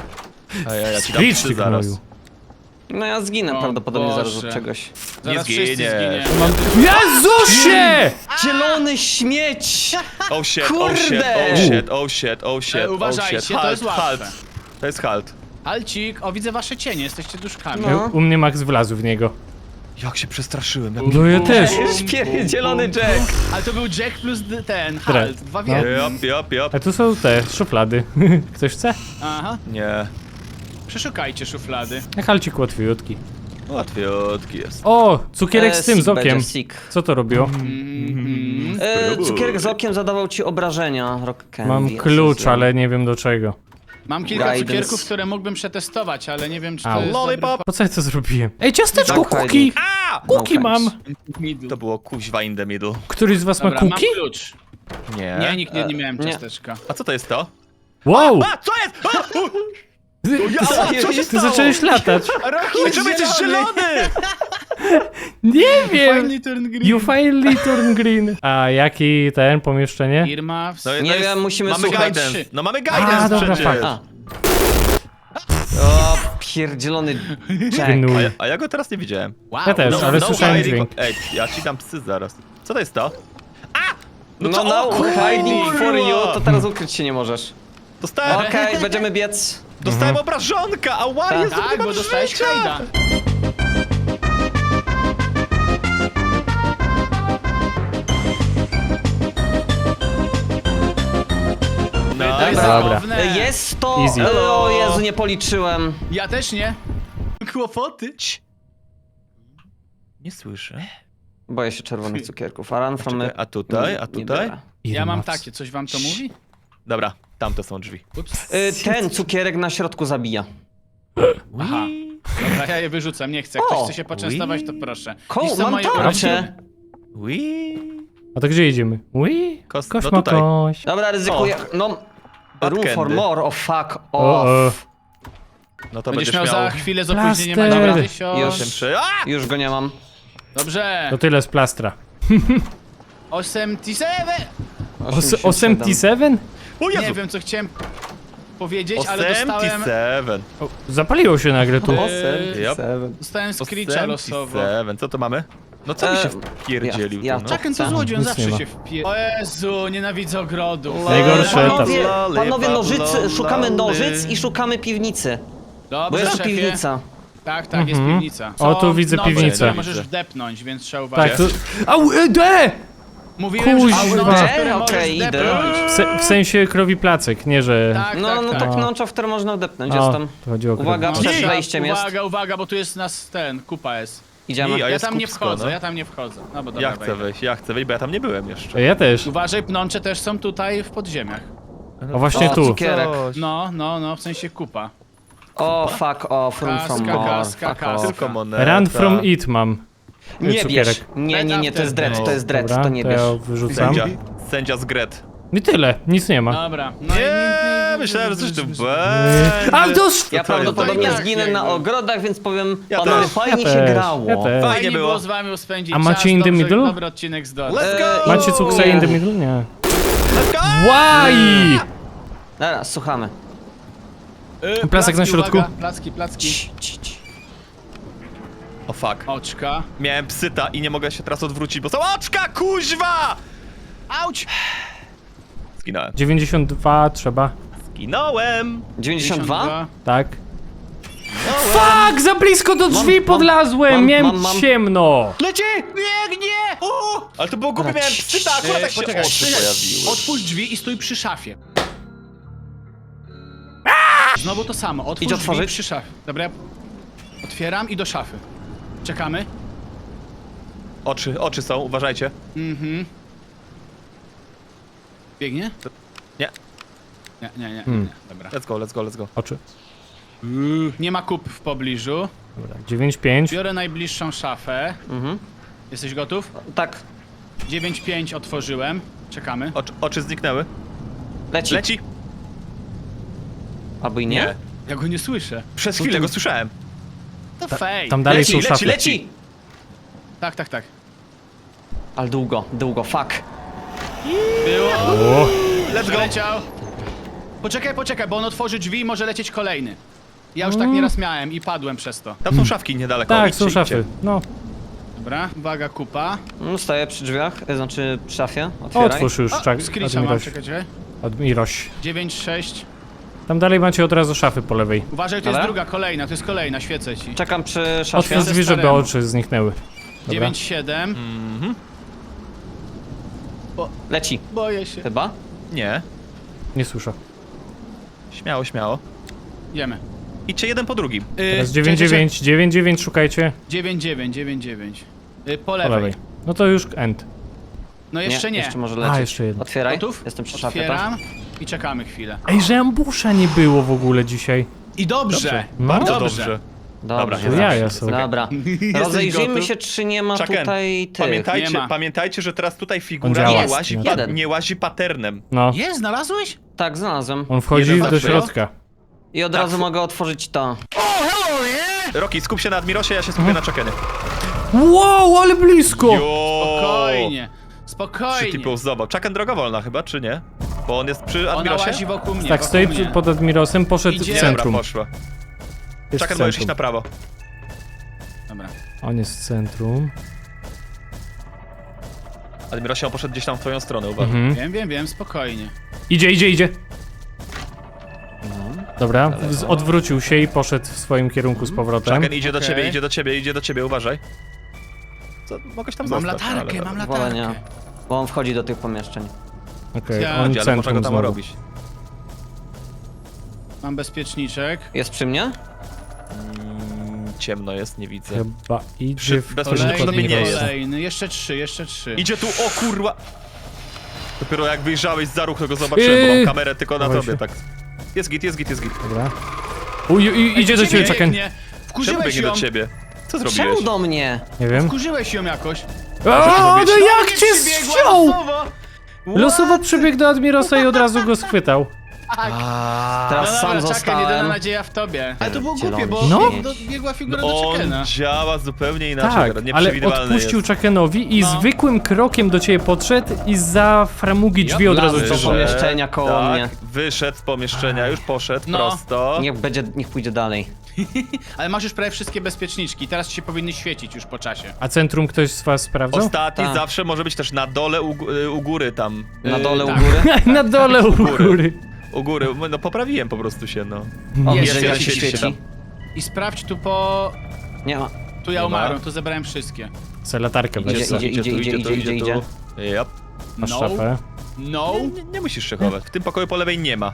Speaker 3: A ja, ja ci dam
Speaker 4: Screech
Speaker 3: psy
Speaker 4: ty
Speaker 3: zaraz.
Speaker 4: gnoju.
Speaker 1: No ja zginę
Speaker 2: O
Speaker 1: prawdopodobnie zaraz
Speaker 2: Boże.
Speaker 1: od czegoś.
Speaker 2: Zaraz
Speaker 3: Nie
Speaker 2: wszyscy
Speaker 3: zginiesz.
Speaker 2: zginiemy.
Speaker 4: Mam... Jezusie!
Speaker 1: Zielony śmieć!
Speaker 3: Oh shit, oh shit,
Speaker 1: Kurde!
Speaker 3: oh shit, oh shit, oh shit,
Speaker 2: E,
Speaker 3: oh
Speaker 2: uważajcie,
Speaker 3: shit.
Speaker 2: to
Speaker 3: Halt,
Speaker 2: jest łatwe.
Speaker 3: halt. To jest halt.
Speaker 2: Alcik, o widzę wasze cienie, jesteście duszkami.
Speaker 1: No.
Speaker 4: U mnie Max wlazł w niego.
Speaker 3: Jak się przestraszyłem. Jak...
Speaker 4: No ja też.
Speaker 1: Zielony Jack.
Speaker 2: Ale to był Jack plus d- ten,
Speaker 4: Dre-
Speaker 2: halt, dwa w
Speaker 4: no.
Speaker 2: jednym.
Speaker 3: Jop, jop, jop.
Speaker 4: A tu są te szuflady. Ktoś chce?
Speaker 2: Aha,
Speaker 3: Nie.
Speaker 2: przeszukajcie szuflady.
Speaker 4: Jak halcik łatwiutki.
Speaker 3: Łatwiutki jest.
Speaker 4: O, cukierek z
Speaker 1: E,
Speaker 4: tym, z
Speaker 1: sick
Speaker 4: okiem.
Speaker 1: będzie, sick.
Speaker 4: Co to robiło?
Speaker 2: Mhm.
Speaker 1: E,
Speaker 3: Spróbuj.
Speaker 1: cukierek z okiem zadawał ci obrażenia, Rock Candy.
Speaker 4: Mam klucz, ale nie wiem do czego.
Speaker 2: Mam kilka
Speaker 1: Guidance.
Speaker 2: cukierków, które mógłbym przetestować, ale nie wiem czy to
Speaker 4: Au.
Speaker 2: jest
Speaker 3: Lollipop.
Speaker 4: Po co ja to zrobiłem? Ej, ciasteczko,
Speaker 1: Tak,
Speaker 4: kuki!
Speaker 1: hiding.
Speaker 3: A!
Speaker 4: Kuki
Speaker 1: No
Speaker 4: mam!
Speaker 2: dobry.
Speaker 3: To było kuźwa in the middle.
Speaker 4: Któryś z was ma
Speaker 2: Dobra, mam
Speaker 4: kuki?
Speaker 2: klucz.
Speaker 3: Nie.
Speaker 2: Nie, nikt nie, nie miałem
Speaker 1: nie.
Speaker 2: ciasteczka.
Speaker 3: A co to jest to?
Speaker 4: Wow!
Speaker 3: A, co jest? A! U!
Speaker 4: Ty,
Speaker 3: Ja,
Speaker 4: ty,
Speaker 3: co się
Speaker 4: ty
Speaker 3: stało?
Speaker 4: zacząłeś latać.
Speaker 3: Rocky, czemu jesteś zielony?
Speaker 4: Nie wiem!
Speaker 2: Finally turned green.
Speaker 4: You finally turn green. A jaki ten pomieszczenie?
Speaker 2: Earmuffs.
Speaker 3: No,
Speaker 1: Nie
Speaker 3: no jest-
Speaker 1: wiem, musimy
Speaker 3: mamy
Speaker 1: słuchać.
Speaker 3: guidance. No mamy
Speaker 4: A,
Speaker 3: guidance
Speaker 4: dobra,
Speaker 3: przecież.
Speaker 4: fakt.
Speaker 1: A. O, pierdzielony Jack.
Speaker 4: Gnój.
Speaker 3: A ja, a ja go teraz nie widziałem.
Speaker 2: Wow.
Speaker 4: Ja też, ale słyszałem
Speaker 3: hiding-
Speaker 4: dźwięk.
Speaker 3: Ej, ja ci dam psy zaraz. Co to jest to?
Speaker 1: No,
Speaker 3: co-
Speaker 1: no,
Speaker 3: o kurwa!
Speaker 1: hiding for you, to teraz ukryć się nie możesz.
Speaker 3: Dostałem,
Speaker 1: Okej, będziemy biec.
Speaker 3: dostałem obrażonka, ała,
Speaker 1: Tak.
Speaker 3: Jezu, nie
Speaker 2: Tak,
Speaker 3: mam
Speaker 2: bo dostałeś
Speaker 3: życia!
Speaker 2: hajda.
Speaker 3: No,
Speaker 2: Wydaj
Speaker 1: Dobra.
Speaker 2: zabawne.
Speaker 1: E, Jest to...
Speaker 4: Easy.
Speaker 1: E, o Jezu, nie policzyłem.
Speaker 2: Ja też nie. Kłopoty.
Speaker 3: nie słyszę.
Speaker 1: Boję się czerwonych cukierków. A run from
Speaker 3: Czekaj, a tutaj, a
Speaker 1: nie
Speaker 3: tutaj?
Speaker 1: biorę.
Speaker 2: Ja mam
Speaker 4: Earmuffs.
Speaker 2: takie, coś wam to mówi?
Speaker 3: Dobra, tamte są drzwi.
Speaker 2: Ups.
Speaker 1: E, Ten cukierek na środku zabija.
Speaker 2: Aha. Dobra, ja je wyrzucam, nie chcę. Jak ktoś
Speaker 1: O,
Speaker 2: chce się poczęstować, to proszę.
Speaker 1: Ko,
Speaker 2: Dziś są
Speaker 1: mam
Speaker 2: moje
Speaker 1: tarczę.
Speaker 2: urodziny.
Speaker 3: Ui.
Speaker 4: A to gdzie idziemy? Ui,
Speaker 3: Kos-
Speaker 4: kosz
Speaker 3: no
Speaker 4: ma
Speaker 3: tutaj.
Speaker 4: kość.
Speaker 1: Dobra, ryzykuję. No...
Speaker 3: Bad
Speaker 1: Room for
Speaker 3: candy.
Speaker 1: more, oh fuck
Speaker 4: O,
Speaker 1: off.
Speaker 3: No to
Speaker 2: Będziesz
Speaker 3: będziesz
Speaker 2: miał
Speaker 3: miał...
Speaker 2: za chwilę z opóźnieniem
Speaker 4: Plaster.
Speaker 2: Dobra,
Speaker 1: Już.
Speaker 2: tysiąc.
Speaker 3: Przy... A!
Speaker 1: Już go nie mam.
Speaker 2: Dobrze.
Speaker 4: To tyle z plastra.
Speaker 2: osiemdziesiąt siedem.
Speaker 4: Os- osiemdziesiąt siedem?
Speaker 3: O Jezu!
Speaker 2: Nie wiem co chciałem. powiedzieć, ale dostałem...
Speaker 3: Seven.
Speaker 4: O, zapaliło się nagle tu.
Speaker 1: O,
Speaker 2: Eee,
Speaker 3: Yep.
Speaker 1: seven.
Speaker 2: Dostałem screecha losowo.
Speaker 3: Seven. Co to mamy? No co mi się
Speaker 1: Eee,
Speaker 3: wpierdzielił
Speaker 1: ja-
Speaker 3: tu, no?
Speaker 1: ja-
Speaker 2: Czaken to
Speaker 1: Nic
Speaker 2: złodziej, on
Speaker 4: nie
Speaker 2: zawsze
Speaker 4: ma.
Speaker 2: się wpie... O Jezu, nienawidzę ogrodów.
Speaker 4: Najgorsze
Speaker 1: Panowie,
Speaker 3: etap.
Speaker 1: panowie nożycy,
Speaker 3: Lolly.
Speaker 1: szukamy nożyc i szukamy piwnicy. Bo
Speaker 2: Dobrze,
Speaker 1: jest tu
Speaker 2: szefie.
Speaker 1: piwnica.
Speaker 2: Tak, tak, jest
Speaker 4: Mhm.
Speaker 2: piwnica.
Speaker 4: O, tu
Speaker 2: Są
Speaker 4: widzę
Speaker 2: noże,
Speaker 4: piwnicę.
Speaker 2: które możesz wdepnąć, więc trzeba
Speaker 4: Tak,
Speaker 2: uważać.
Speaker 4: tu... Au, e, de!
Speaker 2: Mówiłem,
Speaker 4: Kuźwa.
Speaker 2: że są noże, które
Speaker 1: Okej,
Speaker 2: możesz
Speaker 1: idę.
Speaker 2: wdepnąć.
Speaker 4: W, se, w sensie krowi placek, nie że...
Speaker 2: Tak,
Speaker 1: No,
Speaker 2: tak,
Speaker 1: no
Speaker 2: tak.
Speaker 1: tak
Speaker 4: O.
Speaker 1: nącza, w które można odepnąć,
Speaker 4: O,
Speaker 1: jestem.
Speaker 4: to chodzi o krowi
Speaker 1: Uwaga,
Speaker 4: placek.
Speaker 1: przed
Speaker 2: Uwaga,
Speaker 1: wejściem jest.
Speaker 2: Uwaga, uwaga, bo tu jest nas ten, kupa jest.
Speaker 1: Idziemy.
Speaker 3: I, a
Speaker 2: Ja
Speaker 3: jest
Speaker 2: tam nie
Speaker 3: kupsko,
Speaker 2: wchodzę,
Speaker 3: no.
Speaker 2: ja tam nie wchodzę. No bo dobra,
Speaker 3: Ja chcę
Speaker 2: wejdę.
Speaker 3: wejść, ja chcę wejść, bo ja tam nie byłem jeszcze.
Speaker 4: Ja też.
Speaker 2: Uważaj, pnącze też są tutaj w podziemiach.
Speaker 4: O, właśnie
Speaker 1: O,
Speaker 4: tu.
Speaker 1: cukierek.
Speaker 3: Coś.
Speaker 2: No, no, no, w sensie kupa.
Speaker 1: O, fuck off, run from
Speaker 2: Kaska,
Speaker 1: more,
Speaker 2: kaska,
Speaker 1: fuck
Speaker 2: kaska.
Speaker 1: off.
Speaker 3: Tylko moneta.
Speaker 4: Run from it mam.
Speaker 1: Nie
Speaker 4: Cukierek.
Speaker 1: bierz. Nie, nie, nie, to jest dread, to jest dread,
Speaker 4: Dobra,
Speaker 1: to nie
Speaker 4: to
Speaker 1: bierz.
Speaker 4: ja wyrzucam.
Speaker 3: Sędzia. Sędzia z Gret.
Speaker 4: I tyle, nic nie ma.
Speaker 2: Dobra. No i-
Speaker 3: Nie, myślałem, że coś tu będzie.
Speaker 4: A to...
Speaker 1: Ja
Speaker 3: to
Speaker 1: prawdopodobnie
Speaker 2: jest tak,
Speaker 1: zginę
Speaker 2: jakby.
Speaker 1: na ogrodach, więc powiem,
Speaker 3: Ja
Speaker 1: panowie,
Speaker 3: też.
Speaker 1: fajnie
Speaker 4: Ja
Speaker 1: się
Speaker 4: też,
Speaker 1: grało.
Speaker 4: ja też.
Speaker 3: Fajnie
Speaker 2: Fajnie
Speaker 3: było.
Speaker 2: było z wami spędzić
Speaker 4: A
Speaker 2: czas.
Speaker 4: macie in the
Speaker 2: Dobrze,
Speaker 4: middle?
Speaker 2: Dobry odcinek z Dora.
Speaker 3: Let's go!
Speaker 1: Eee,
Speaker 4: Macie cuksa in the middle? Nie.
Speaker 3: Let's go!
Speaker 4: Why?
Speaker 1: Dobra, słuchamy.
Speaker 2: Yy,
Speaker 4: Placek na
Speaker 2: placki,
Speaker 4: środku.
Speaker 2: Uwaga, placki, placki.
Speaker 1: Cii, cii, cii.
Speaker 3: O fuck.
Speaker 2: Oczka.
Speaker 3: Miałem psyta i nie mogę się teraz odwrócić, bo są oczka, kuźwa!
Speaker 2: Auć!
Speaker 3: Zginąłem.
Speaker 4: dziewięćdziesiąt dwa trzeba.
Speaker 3: Zginąłem!
Speaker 1: dziewięćdziesiąt dwa?
Speaker 4: Tak. Fuck! Za blisko do drzwi
Speaker 1: mam-
Speaker 4: podlazłem!
Speaker 1: mam-
Speaker 4: Miałem
Speaker 1: mam- mam-
Speaker 4: ciemno!
Speaker 3: Leci!
Speaker 2: Biegnie!
Speaker 3: O! Ale to było głupie, miałem psyta, akurat tak się
Speaker 2: Poczekaj,
Speaker 3: oczy
Speaker 2: poczekaj.
Speaker 3: pojawiły.
Speaker 2: Otwórz drzwi i stój przy szafie. Znowu to samo, otwórz
Speaker 1: Idź
Speaker 2: drzwi
Speaker 1: otworzyć.
Speaker 2: przy szafie. Dobra, ja otwieram i do szafy. Czekamy.
Speaker 3: Oczy, oczy są, uważajcie.
Speaker 2: Mhm. Biegnie?
Speaker 3: Nie.
Speaker 2: Nie, nie, nie, nie,
Speaker 4: Hmm.
Speaker 2: nie. Dobra.
Speaker 3: Let's go, let's go, let's go.
Speaker 4: Oczy.
Speaker 2: Nie ma kup w pobliżu.
Speaker 4: Dobra, dziewięć pięć.
Speaker 2: Biorę najbliższą szafę.
Speaker 1: Mhm.
Speaker 2: Jesteś gotów?
Speaker 1: Tak,
Speaker 2: dziewięć pięć otworzyłem. Czekamy.
Speaker 3: Oczy, oczy zniknęły.
Speaker 1: leci.
Speaker 3: Leci!
Speaker 1: Albo i nie?
Speaker 2: Ja go nie słyszę.
Speaker 3: Przez chwilę go słyszałem.
Speaker 2: To fake.
Speaker 4: Tam dalej
Speaker 3: Leci,
Speaker 4: są
Speaker 3: leci,
Speaker 4: szafy.
Speaker 3: leci!
Speaker 2: Tak, tak, tak.
Speaker 1: Ale długo, długo, fuck.
Speaker 2: Było.
Speaker 4: O,
Speaker 3: Let's go!
Speaker 2: Leciał. Poczekaj, poczekaj, bo on otworzy drzwi i może lecieć kolejny. Ja już tak nieraz miałem i padłem przez to.
Speaker 3: Tam są szafki niedaleko.
Speaker 4: tak,
Speaker 3: idźcie,
Speaker 4: są
Speaker 3: idźcie.
Speaker 4: szafy. No,
Speaker 2: Dobra, uwaga, kupa.
Speaker 1: Mm, Stoję przy drzwiach, e, znaczy przy szafie, otwieraj.
Speaker 4: otwórz już,
Speaker 2: O,
Speaker 4: czak.
Speaker 2: screecha mam,
Speaker 4: Admiroś.
Speaker 2: czekaj, czekaj.
Speaker 4: Admiroś.
Speaker 2: dziewięć sześć.
Speaker 4: Tam dalej macie od razu szafy po lewej.
Speaker 2: Uważaj, to
Speaker 1: Dobra.
Speaker 2: jest druga, kolejna, to jest kolejna, świecę ci.
Speaker 1: Czekam przy szafie.
Speaker 4: Otwórz drzwi, żeby
Speaker 2: staremu.
Speaker 4: oczy zniknęły. Dobra.
Speaker 2: dziewięć siedem.
Speaker 1: Leci,
Speaker 2: Boję się.
Speaker 1: chyba.
Speaker 3: Nie.
Speaker 4: Nie słyszę.
Speaker 3: Śmiało, śmiało.
Speaker 2: Idziemy.
Speaker 3: Idźcie jeden po drugim.
Speaker 4: Teraz dziewięć dziewięć, dziewięć dziewięć szukajcie
Speaker 2: dziewięć dziewięć, dziewięć dziewięć. Y, Po
Speaker 4: po
Speaker 2: lewej.
Speaker 4: lewej. No to już end.
Speaker 2: No jeszcze nie.
Speaker 1: Jeszcze może lecieć.
Speaker 4: jeszcze jedno.
Speaker 1: Otwieraj.
Speaker 2: Gotów?
Speaker 1: Jestem przy szafie, tak?
Speaker 2: Otwieram i czekamy chwilę.
Speaker 4: Ej, że ambusza nie było w ogóle dzisiaj.
Speaker 2: I dobrze.
Speaker 3: Dobrze.
Speaker 4: No.
Speaker 3: Bardzo
Speaker 2: Dobrze.
Speaker 3: dobrze.
Speaker 1: Dobrze.
Speaker 3: Dobra,
Speaker 4: jaja są.
Speaker 1: Dobra.
Speaker 2: Jesteś
Speaker 1: Rozejrzyjmy
Speaker 2: gotów?
Speaker 1: się, czy nie ma
Speaker 3: Chucken,
Speaker 1: tutaj tych.
Speaker 2: Nie
Speaker 3: Pamiętajcie,
Speaker 2: ma.
Speaker 3: pamiętajcie, że teraz tutaj
Speaker 4: On
Speaker 3: figura
Speaker 4: działa.
Speaker 3: nie łazi,
Speaker 1: Jest.
Speaker 3: pa
Speaker 1: Jeden.
Speaker 3: nie łazi paternem.
Speaker 4: No,
Speaker 2: Jest, znalazłeś?
Speaker 1: Tak, znalazłem.
Speaker 4: on wchodzi
Speaker 3: Jeden
Speaker 4: do
Speaker 3: patrzę.
Speaker 4: środka.
Speaker 1: I od
Speaker 3: Tak.
Speaker 1: razu mogę otworzyć to.
Speaker 3: Rocky, skup się na Admirosie, ja się skupię na Chuckenie.
Speaker 4: Wow, ale blisko!
Speaker 3: Jo!
Speaker 2: Spokojnie.
Speaker 3: Przy
Speaker 2: Spokojnie.
Speaker 3: typu zobacz. Chucken droga wolna chyba, czy nie? Bo on jest przy
Speaker 2: Ona
Speaker 3: Admirosie?
Speaker 2: łazi wokół mnie.
Speaker 4: Tak,
Speaker 2: wokół
Speaker 4: stoi
Speaker 2: mnie.
Speaker 4: pod Admirosem, poszedł
Speaker 2: Idzie.
Speaker 4: w
Speaker 3: Dobra,
Speaker 4: centrum.
Speaker 3: poszła.
Speaker 4: Jest w
Speaker 3: Chucken możesz iść
Speaker 4: centrum.
Speaker 3: na prawo.
Speaker 2: Dobra.
Speaker 4: On jest w centrum.
Speaker 3: Admirosie, on poszedł gdzieś tam w twoją stronę, uważaj.
Speaker 4: Mhm.
Speaker 2: Wiem, wiem, wiem, spokojnie.
Speaker 4: Idzie, idzie, idzie.
Speaker 1: No.
Speaker 4: Dobra, z- odwrócił się i poszedł w swoim kierunku z powrotem.
Speaker 3: Chucken idzie do
Speaker 2: Okej.
Speaker 3: ciebie, idzie do ciebie, idzie do ciebie, uważaj. Co, mogłeś tam
Speaker 2: Mam
Speaker 3: zostać,
Speaker 2: latarkę,
Speaker 3: ale...
Speaker 2: mam
Speaker 1: Wolę nie.
Speaker 2: latarkę.
Speaker 1: Bo on wchodzi do tych pomieszczeń.
Speaker 4: Okej,
Speaker 2: Ja-
Speaker 4: on
Speaker 3: Ale można go
Speaker 4: centrum
Speaker 3: tam
Speaker 4: znowu.
Speaker 3: robić.
Speaker 2: Mam bezpieczniczek.
Speaker 1: Jest przy mnie?
Speaker 3: Mm, ciemno jest, nie widzę.
Speaker 4: Chyba idzie
Speaker 3: Przy-
Speaker 4: w
Speaker 3: bez- Bezpiecznik
Speaker 2: Kolejny,
Speaker 3: nie jest.
Speaker 2: kolejny. Jeszcze trzy, jeszcze trzy.
Speaker 3: Idzie tu, o kurwa! Dopiero jak wyjrzałeś za ruch, to go zobaczyłem, bo mam
Speaker 4: Yy.
Speaker 3: kamerę tylko na
Speaker 4: Dawaj
Speaker 3: tobie,
Speaker 4: się.
Speaker 3: tak. Jest git, jest git, jest git.
Speaker 4: Dobra. Uj, uj, idzie do ciebie, Chucken.
Speaker 2: biegnie.
Speaker 3: Czemu
Speaker 2: Wkurzyłeś
Speaker 3: biegnie
Speaker 2: ją.
Speaker 3: do ciebie? Co
Speaker 1: Czemu
Speaker 3: zrobiłeś?
Speaker 1: do mnie?
Speaker 4: Nie wiem.
Speaker 2: Wkurzyłeś ją jakoś.
Speaker 4: O, no jak cię
Speaker 2: Przybiegła
Speaker 4: wziął!
Speaker 2: losowo.
Speaker 4: Losowo przybiegł do Admirosa i od razu go schwytał.
Speaker 3: A,
Speaker 1: Teraz
Speaker 2: No
Speaker 1: sam
Speaker 2: dobra, czekaj, jedyna
Speaker 1: zostałem.
Speaker 2: nadzieja w tobie. Ale to było
Speaker 1: Zielony
Speaker 2: głupie, bo
Speaker 4: No.
Speaker 2: no. biegła figura do
Speaker 3: on
Speaker 2: Chuckena.
Speaker 3: działa zupełnie inaczej,
Speaker 4: Tak,
Speaker 3: teraz
Speaker 4: ale
Speaker 3: nieprzewidywalny
Speaker 4: odpuścił
Speaker 3: jest.
Speaker 4: Chuckenowi i
Speaker 2: No.
Speaker 4: zwykłym krokiem do ciebie podszedł i za framugi drzwi od razu
Speaker 1: Lawy,
Speaker 4: cię
Speaker 1: to
Speaker 4: zszedł.
Speaker 1: pomieszczenia koło
Speaker 3: tak,
Speaker 1: mnie.
Speaker 3: wyszedł z pomieszczenia, już poszedł
Speaker 2: No.
Speaker 3: prosto.
Speaker 1: Niech będzie, niech pójdzie dalej.
Speaker 2: Ale masz już prawie wszystkie bezpieczniczki, teraz ci się powinny świecić już po czasie.
Speaker 4: A centrum ktoś z was sprawdzał?
Speaker 3: Ostatni
Speaker 1: Tak.
Speaker 3: zawsze może być też na dole u, gó- y, u góry tam.
Speaker 1: Na
Speaker 2: Yy,
Speaker 1: dole u
Speaker 2: tak.
Speaker 1: góry.
Speaker 4: Na dole u góry.
Speaker 3: U góry, no poprawiłem po prostu się, no.
Speaker 1: O,
Speaker 2: Jest,
Speaker 1: widzę, jak
Speaker 2: jest,
Speaker 1: się
Speaker 2: jest,
Speaker 1: świeci.
Speaker 2: jest. I sprawdź tu po...
Speaker 1: Nie ma.
Speaker 2: Tu ja
Speaker 3: Nie ma.
Speaker 2: umarłem, tu zebrałem wszystkie.
Speaker 4: Se latarkę
Speaker 1: Idzie,
Speaker 4: weź.
Speaker 1: idzie,
Speaker 4: co?
Speaker 1: idzie,
Speaker 3: tu,
Speaker 1: idzie,
Speaker 3: tu,
Speaker 1: idzie, idzie, idzie.
Speaker 3: tu. Yep.
Speaker 4: Masz
Speaker 2: No,
Speaker 4: szafę.
Speaker 2: no.
Speaker 3: Nie, nie, nie musisz szykować. W tym pokoju po lewej nie ma.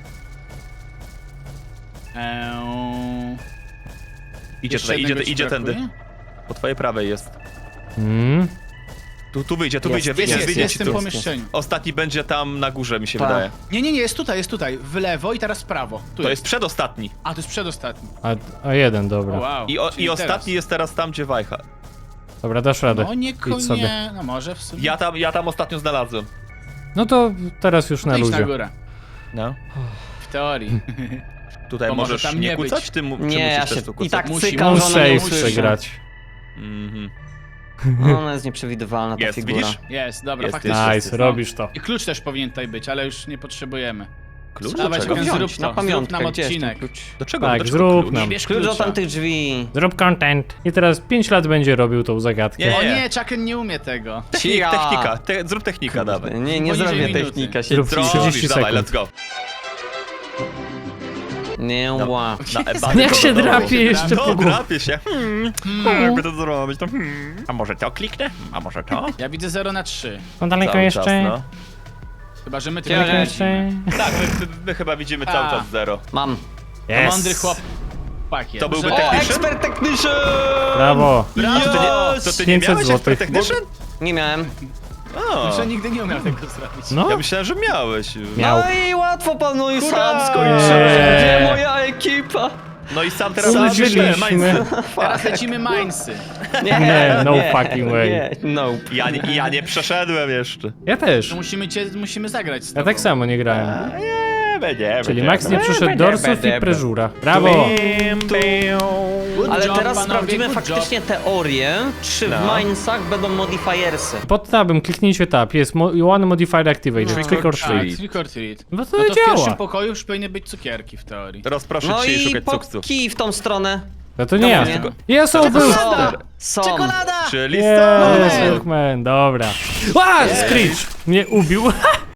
Speaker 2: Eee...
Speaker 3: Idzie
Speaker 2: Jeszcze
Speaker 3: tutaj, idzie,
Speaker 2: jednego ci
Speaker 3: idzie tędy.
Speaker 2: brakuje?
Speaker 3: Po twojej prawej jest.
Speaker 4: Mm.
Speaker 3: Tu, tu wyjdzie, tu
Speaker 1: Jest,
Speaker 3: wyjdzie,
Speaker 2: Jest,
Speaker 3: wyjdzie,
Speaker 2: jest,
Speaker 3: wyjdzie.
Speaker 2: jest w tym
Speaker 3: tu.
Speaker 2: pomieszczeniu.
Speaker 3: Ostatni będzie tam na górze, mi się
Speaker 1: Tak.
Speaker 3: wydaje.
Speaker 2: Nie, nie, nie, jest tutaj, jest tutaj. W lewo i teraz w prawo. Tu
Speaker 3: To jest przedostatni.
Speaker 2: A, to jest przedostatni.
Speaker 4: A, a jeden, dobra.
Speaker 2: Wow.
Speaker 3: I, o,
Speaker 2: czyli
Speaker 3: i ostatni jest teraz tam, gdzie Wajcha.
Speaker 4: Dobra, dasz radę.
Speaker 2: No nie,
Speaker 4: Idź sobie.
Speaker 2: nie, no może w sumie.
Speaker 3: Ja tam, ja tam ostatnio znalazłem.
Speaker 4: No to teraz już na
Speaker 2: Idź na
Speaker 4: luzie.
Speaker 2: górę.
Speaker 3: No.
Speaker 2: W teorii.
Speaker 3: Tutaj
Speaker 2: To może
Speaker 3: możesz
Speaker 2: tam
Speaker 3: nie
Speaker 2: nie
Speaker 3: kucać?
Speaker 2: być.
Speaker 3: Ty, mu- czy
Speaker 1: Nie, ja
Speaker 3: musisz
Speaker 1: się
Speaker 3: też tu
Speaker 1: i
Speaker 3: kucać?
Speaker 1: tak
Speaker 2: Musi,
Speaker 1: cykam,
Speaker 4: On
Speaker 1: że ona nie
Speaker 4: safe
Speaker 1: usłyszy.
Speaker 4: grać.
Speaker 3: Mhm.
Speaker 1: Ona jest nieprzewidywalna, ta
Speaker 3: Jest,
Speaker 1: figura.
Speaker 3: widzisz?
Speaker 2: Jest, dobra,
Speaker 3: Jest,
Speaker 2: faktycznie.
Speaker 3: jest,
Speaker 4: Nice,
Speaker 3: jest,
Speaker 4: robisz to.
Speaker 2: I klucz też powinien tutaj być, ale już nie potrzebujemy.
Speaker 3: Klucz?
Speaker 2: Dawaj,
Speaker 3: Do czego?
Speaker 2: czekam.
Speaker 1: Wziąć,
Speaker 2: Zrób
Speaker 1: na
Speaker 2: to,
Speaker 1: pamiątkę,
Speaker 2: zrób nam
Speaker 1: gdzie jest ten
Speaker 2: odcinek.
Speaker 1: klucz?
Speaker 3: Do czego?
Speaker 4: Tak,
Speaker 3: do czego
Speaker 4: zrób
Speaker 3: klucz?
Speaker 4: nam.
Speaker 2: Bierz
Speaker 1: Klucz do
Speaker 2: klucza.
Speaker 1: tamtych drzwi.
Speaker 4: Zrób content. I teraz pięć lat będzie robił tą zagadkę.
Speaker 3: Nie.
Speaker 2: O nie, Chucken nie umie tego.
Speaker 3: Technik,
Speaker 1: Cia.
Speaker 3: technika, te, zrób technika, dawaj.
Speaker 1: Nie, nie
Speaker 2: Poniżej
Speaker 1: zrobię
Speaker 2: minuty.
Speaker 1: technika, się
Speaker 4: Zrób
Speaker 3: Zrobisz,
Speaker 4: trzydzieści
Speaker 3: dawaj,
Speaker 4: sekund.
Speaker 3: let's go.
Speaker 1: Nie
Speaker 3: No.
Speaker 1: ła.
Speaker 3: Na ebany
Speaker 4: Jak
Speaker 3: to
Speaker 4: się
Speaker 3: do domu.
Speaker 4: drapie jeszcze
Speaker 3: No,
Speaker 4: po głowie.
Speaker 3: drapie się. Hmm, hmm, jakby to zrobić, to hmm. A może to kliknę? A może to?
Speaker 2: Ja widzę zero na trzy.
Speaker 4: No daleko
Speaker 3: Cały
Speaker 4: jeszcze.
Speaker 3: czas, no.
Speaker 2: Chyba, że my
Speaker 1: Daleko
Speaker 2: tylko
Speaker 4: jeszcze.
Speaker 3: Tak, my, my, my chyba widzimy cały
Speaker 2: A.
Speaker 3: czas zero.
Speaker 1: Mam.
Speaker 2: To
Speaker 4: Yes.
Speaker 2: mądry chłop. Chłopak jest.
Speaker 3: To byłby
Speaker 2: Że-
Speaker 1: O,
Speaker 3: technician?
Speaker 1: ekspert technician!
Speaker 4: Brawo.
Speaker 3: Brawo, to, nie, to ty nie
Speaker 4: pięćset
Speaker 3: miałeś
Speaker 4: złotych.
Speaker 3: expert technician?
Speaker 1: Nie miałem.
Speaker 3: O,
Speaker 2: Że nigdy nie umiał tego zrobić.
Speaker 4: No,
Speaker 3: ja myślałem, że miałeś.
Speaker 4: miał.
Speaker 1: No i łatwo panu i
Speaker 3: Hurra!
Speaker 1: sam skończyłem.
Speaker 4: Eee.
Speaker 1: Gdzie moja ekipa?
Speaker 3: No i sam teraz
Speaker 4: Użyliśmy.
Speaker 3: Mindset.
Speaker 2: Teraz lecimy Mainsy.
Speaker 4: Nie, no fucking way.
Speaker 1: Nie, nope.
Speaker 3: Ja, nie- ja nie przeszedłem jeszcze.
Speaker 4: Ja też.
Speaker 2: To musimy cię, musimy zagrać z
Speaker 4: Ja
Speaker 2: tobą.
Speaker 4: tak samo nie grałem.
Speaker 3: Nie, będzie,
Speaker 4: Czyli
Speaker 3: będzie.
Speaker 4: Max nie przeszedł
Speaker 1: będzie,
Speaker 4: dorsów
Speaker 1: będzie.
Speaker 4: i preżura. Brawo!
Speaker 2: Good
Speaker 1: Ale
Speaker 2: job,
Speaker 1: teraz
Speaker 2: panowie,
Speaker 1: sprawdzimy
Speaker 2: good
Speaker 1: faktycznie teorię, czy w
Speaker 3: No.
Speaker 1: Minesach będą modifiersy.
Speaker 4: Pod tabem kliknijcie tab, jest mo one modifier activate,
Speaker 3: No.
Speaker 4: trick or
Speaker 2: job. Tak,
Speaker 4: treat.
Speaker 2: trick or treat.
Speaker 4: No to
Speaker 2: No to w pierwszym
Speaker 4: działa.
Speaker 2: pokoju już powinny być cukierki w teorii.
Speaker 3: Rozproszę
Speaker 1: No
Speaker 3: cię i
Speaker 1: i
Speaker 3: szukać
Speaker 1: po
Speaker 3: cukców.
Speaker 1: kij w tą stronę.
Speaker 4: No to nie ja.
Speaker 1: nie.
Speaker 4: Ja są był!
Speaker 1: Są, są.
Speaker 2: Czekolada!
Speaker 3: Czyli
Speaker 4: Yes,
Speaker 3: stop.
Speaker 4: Hookman, dobra. A, Screech mnie ubił.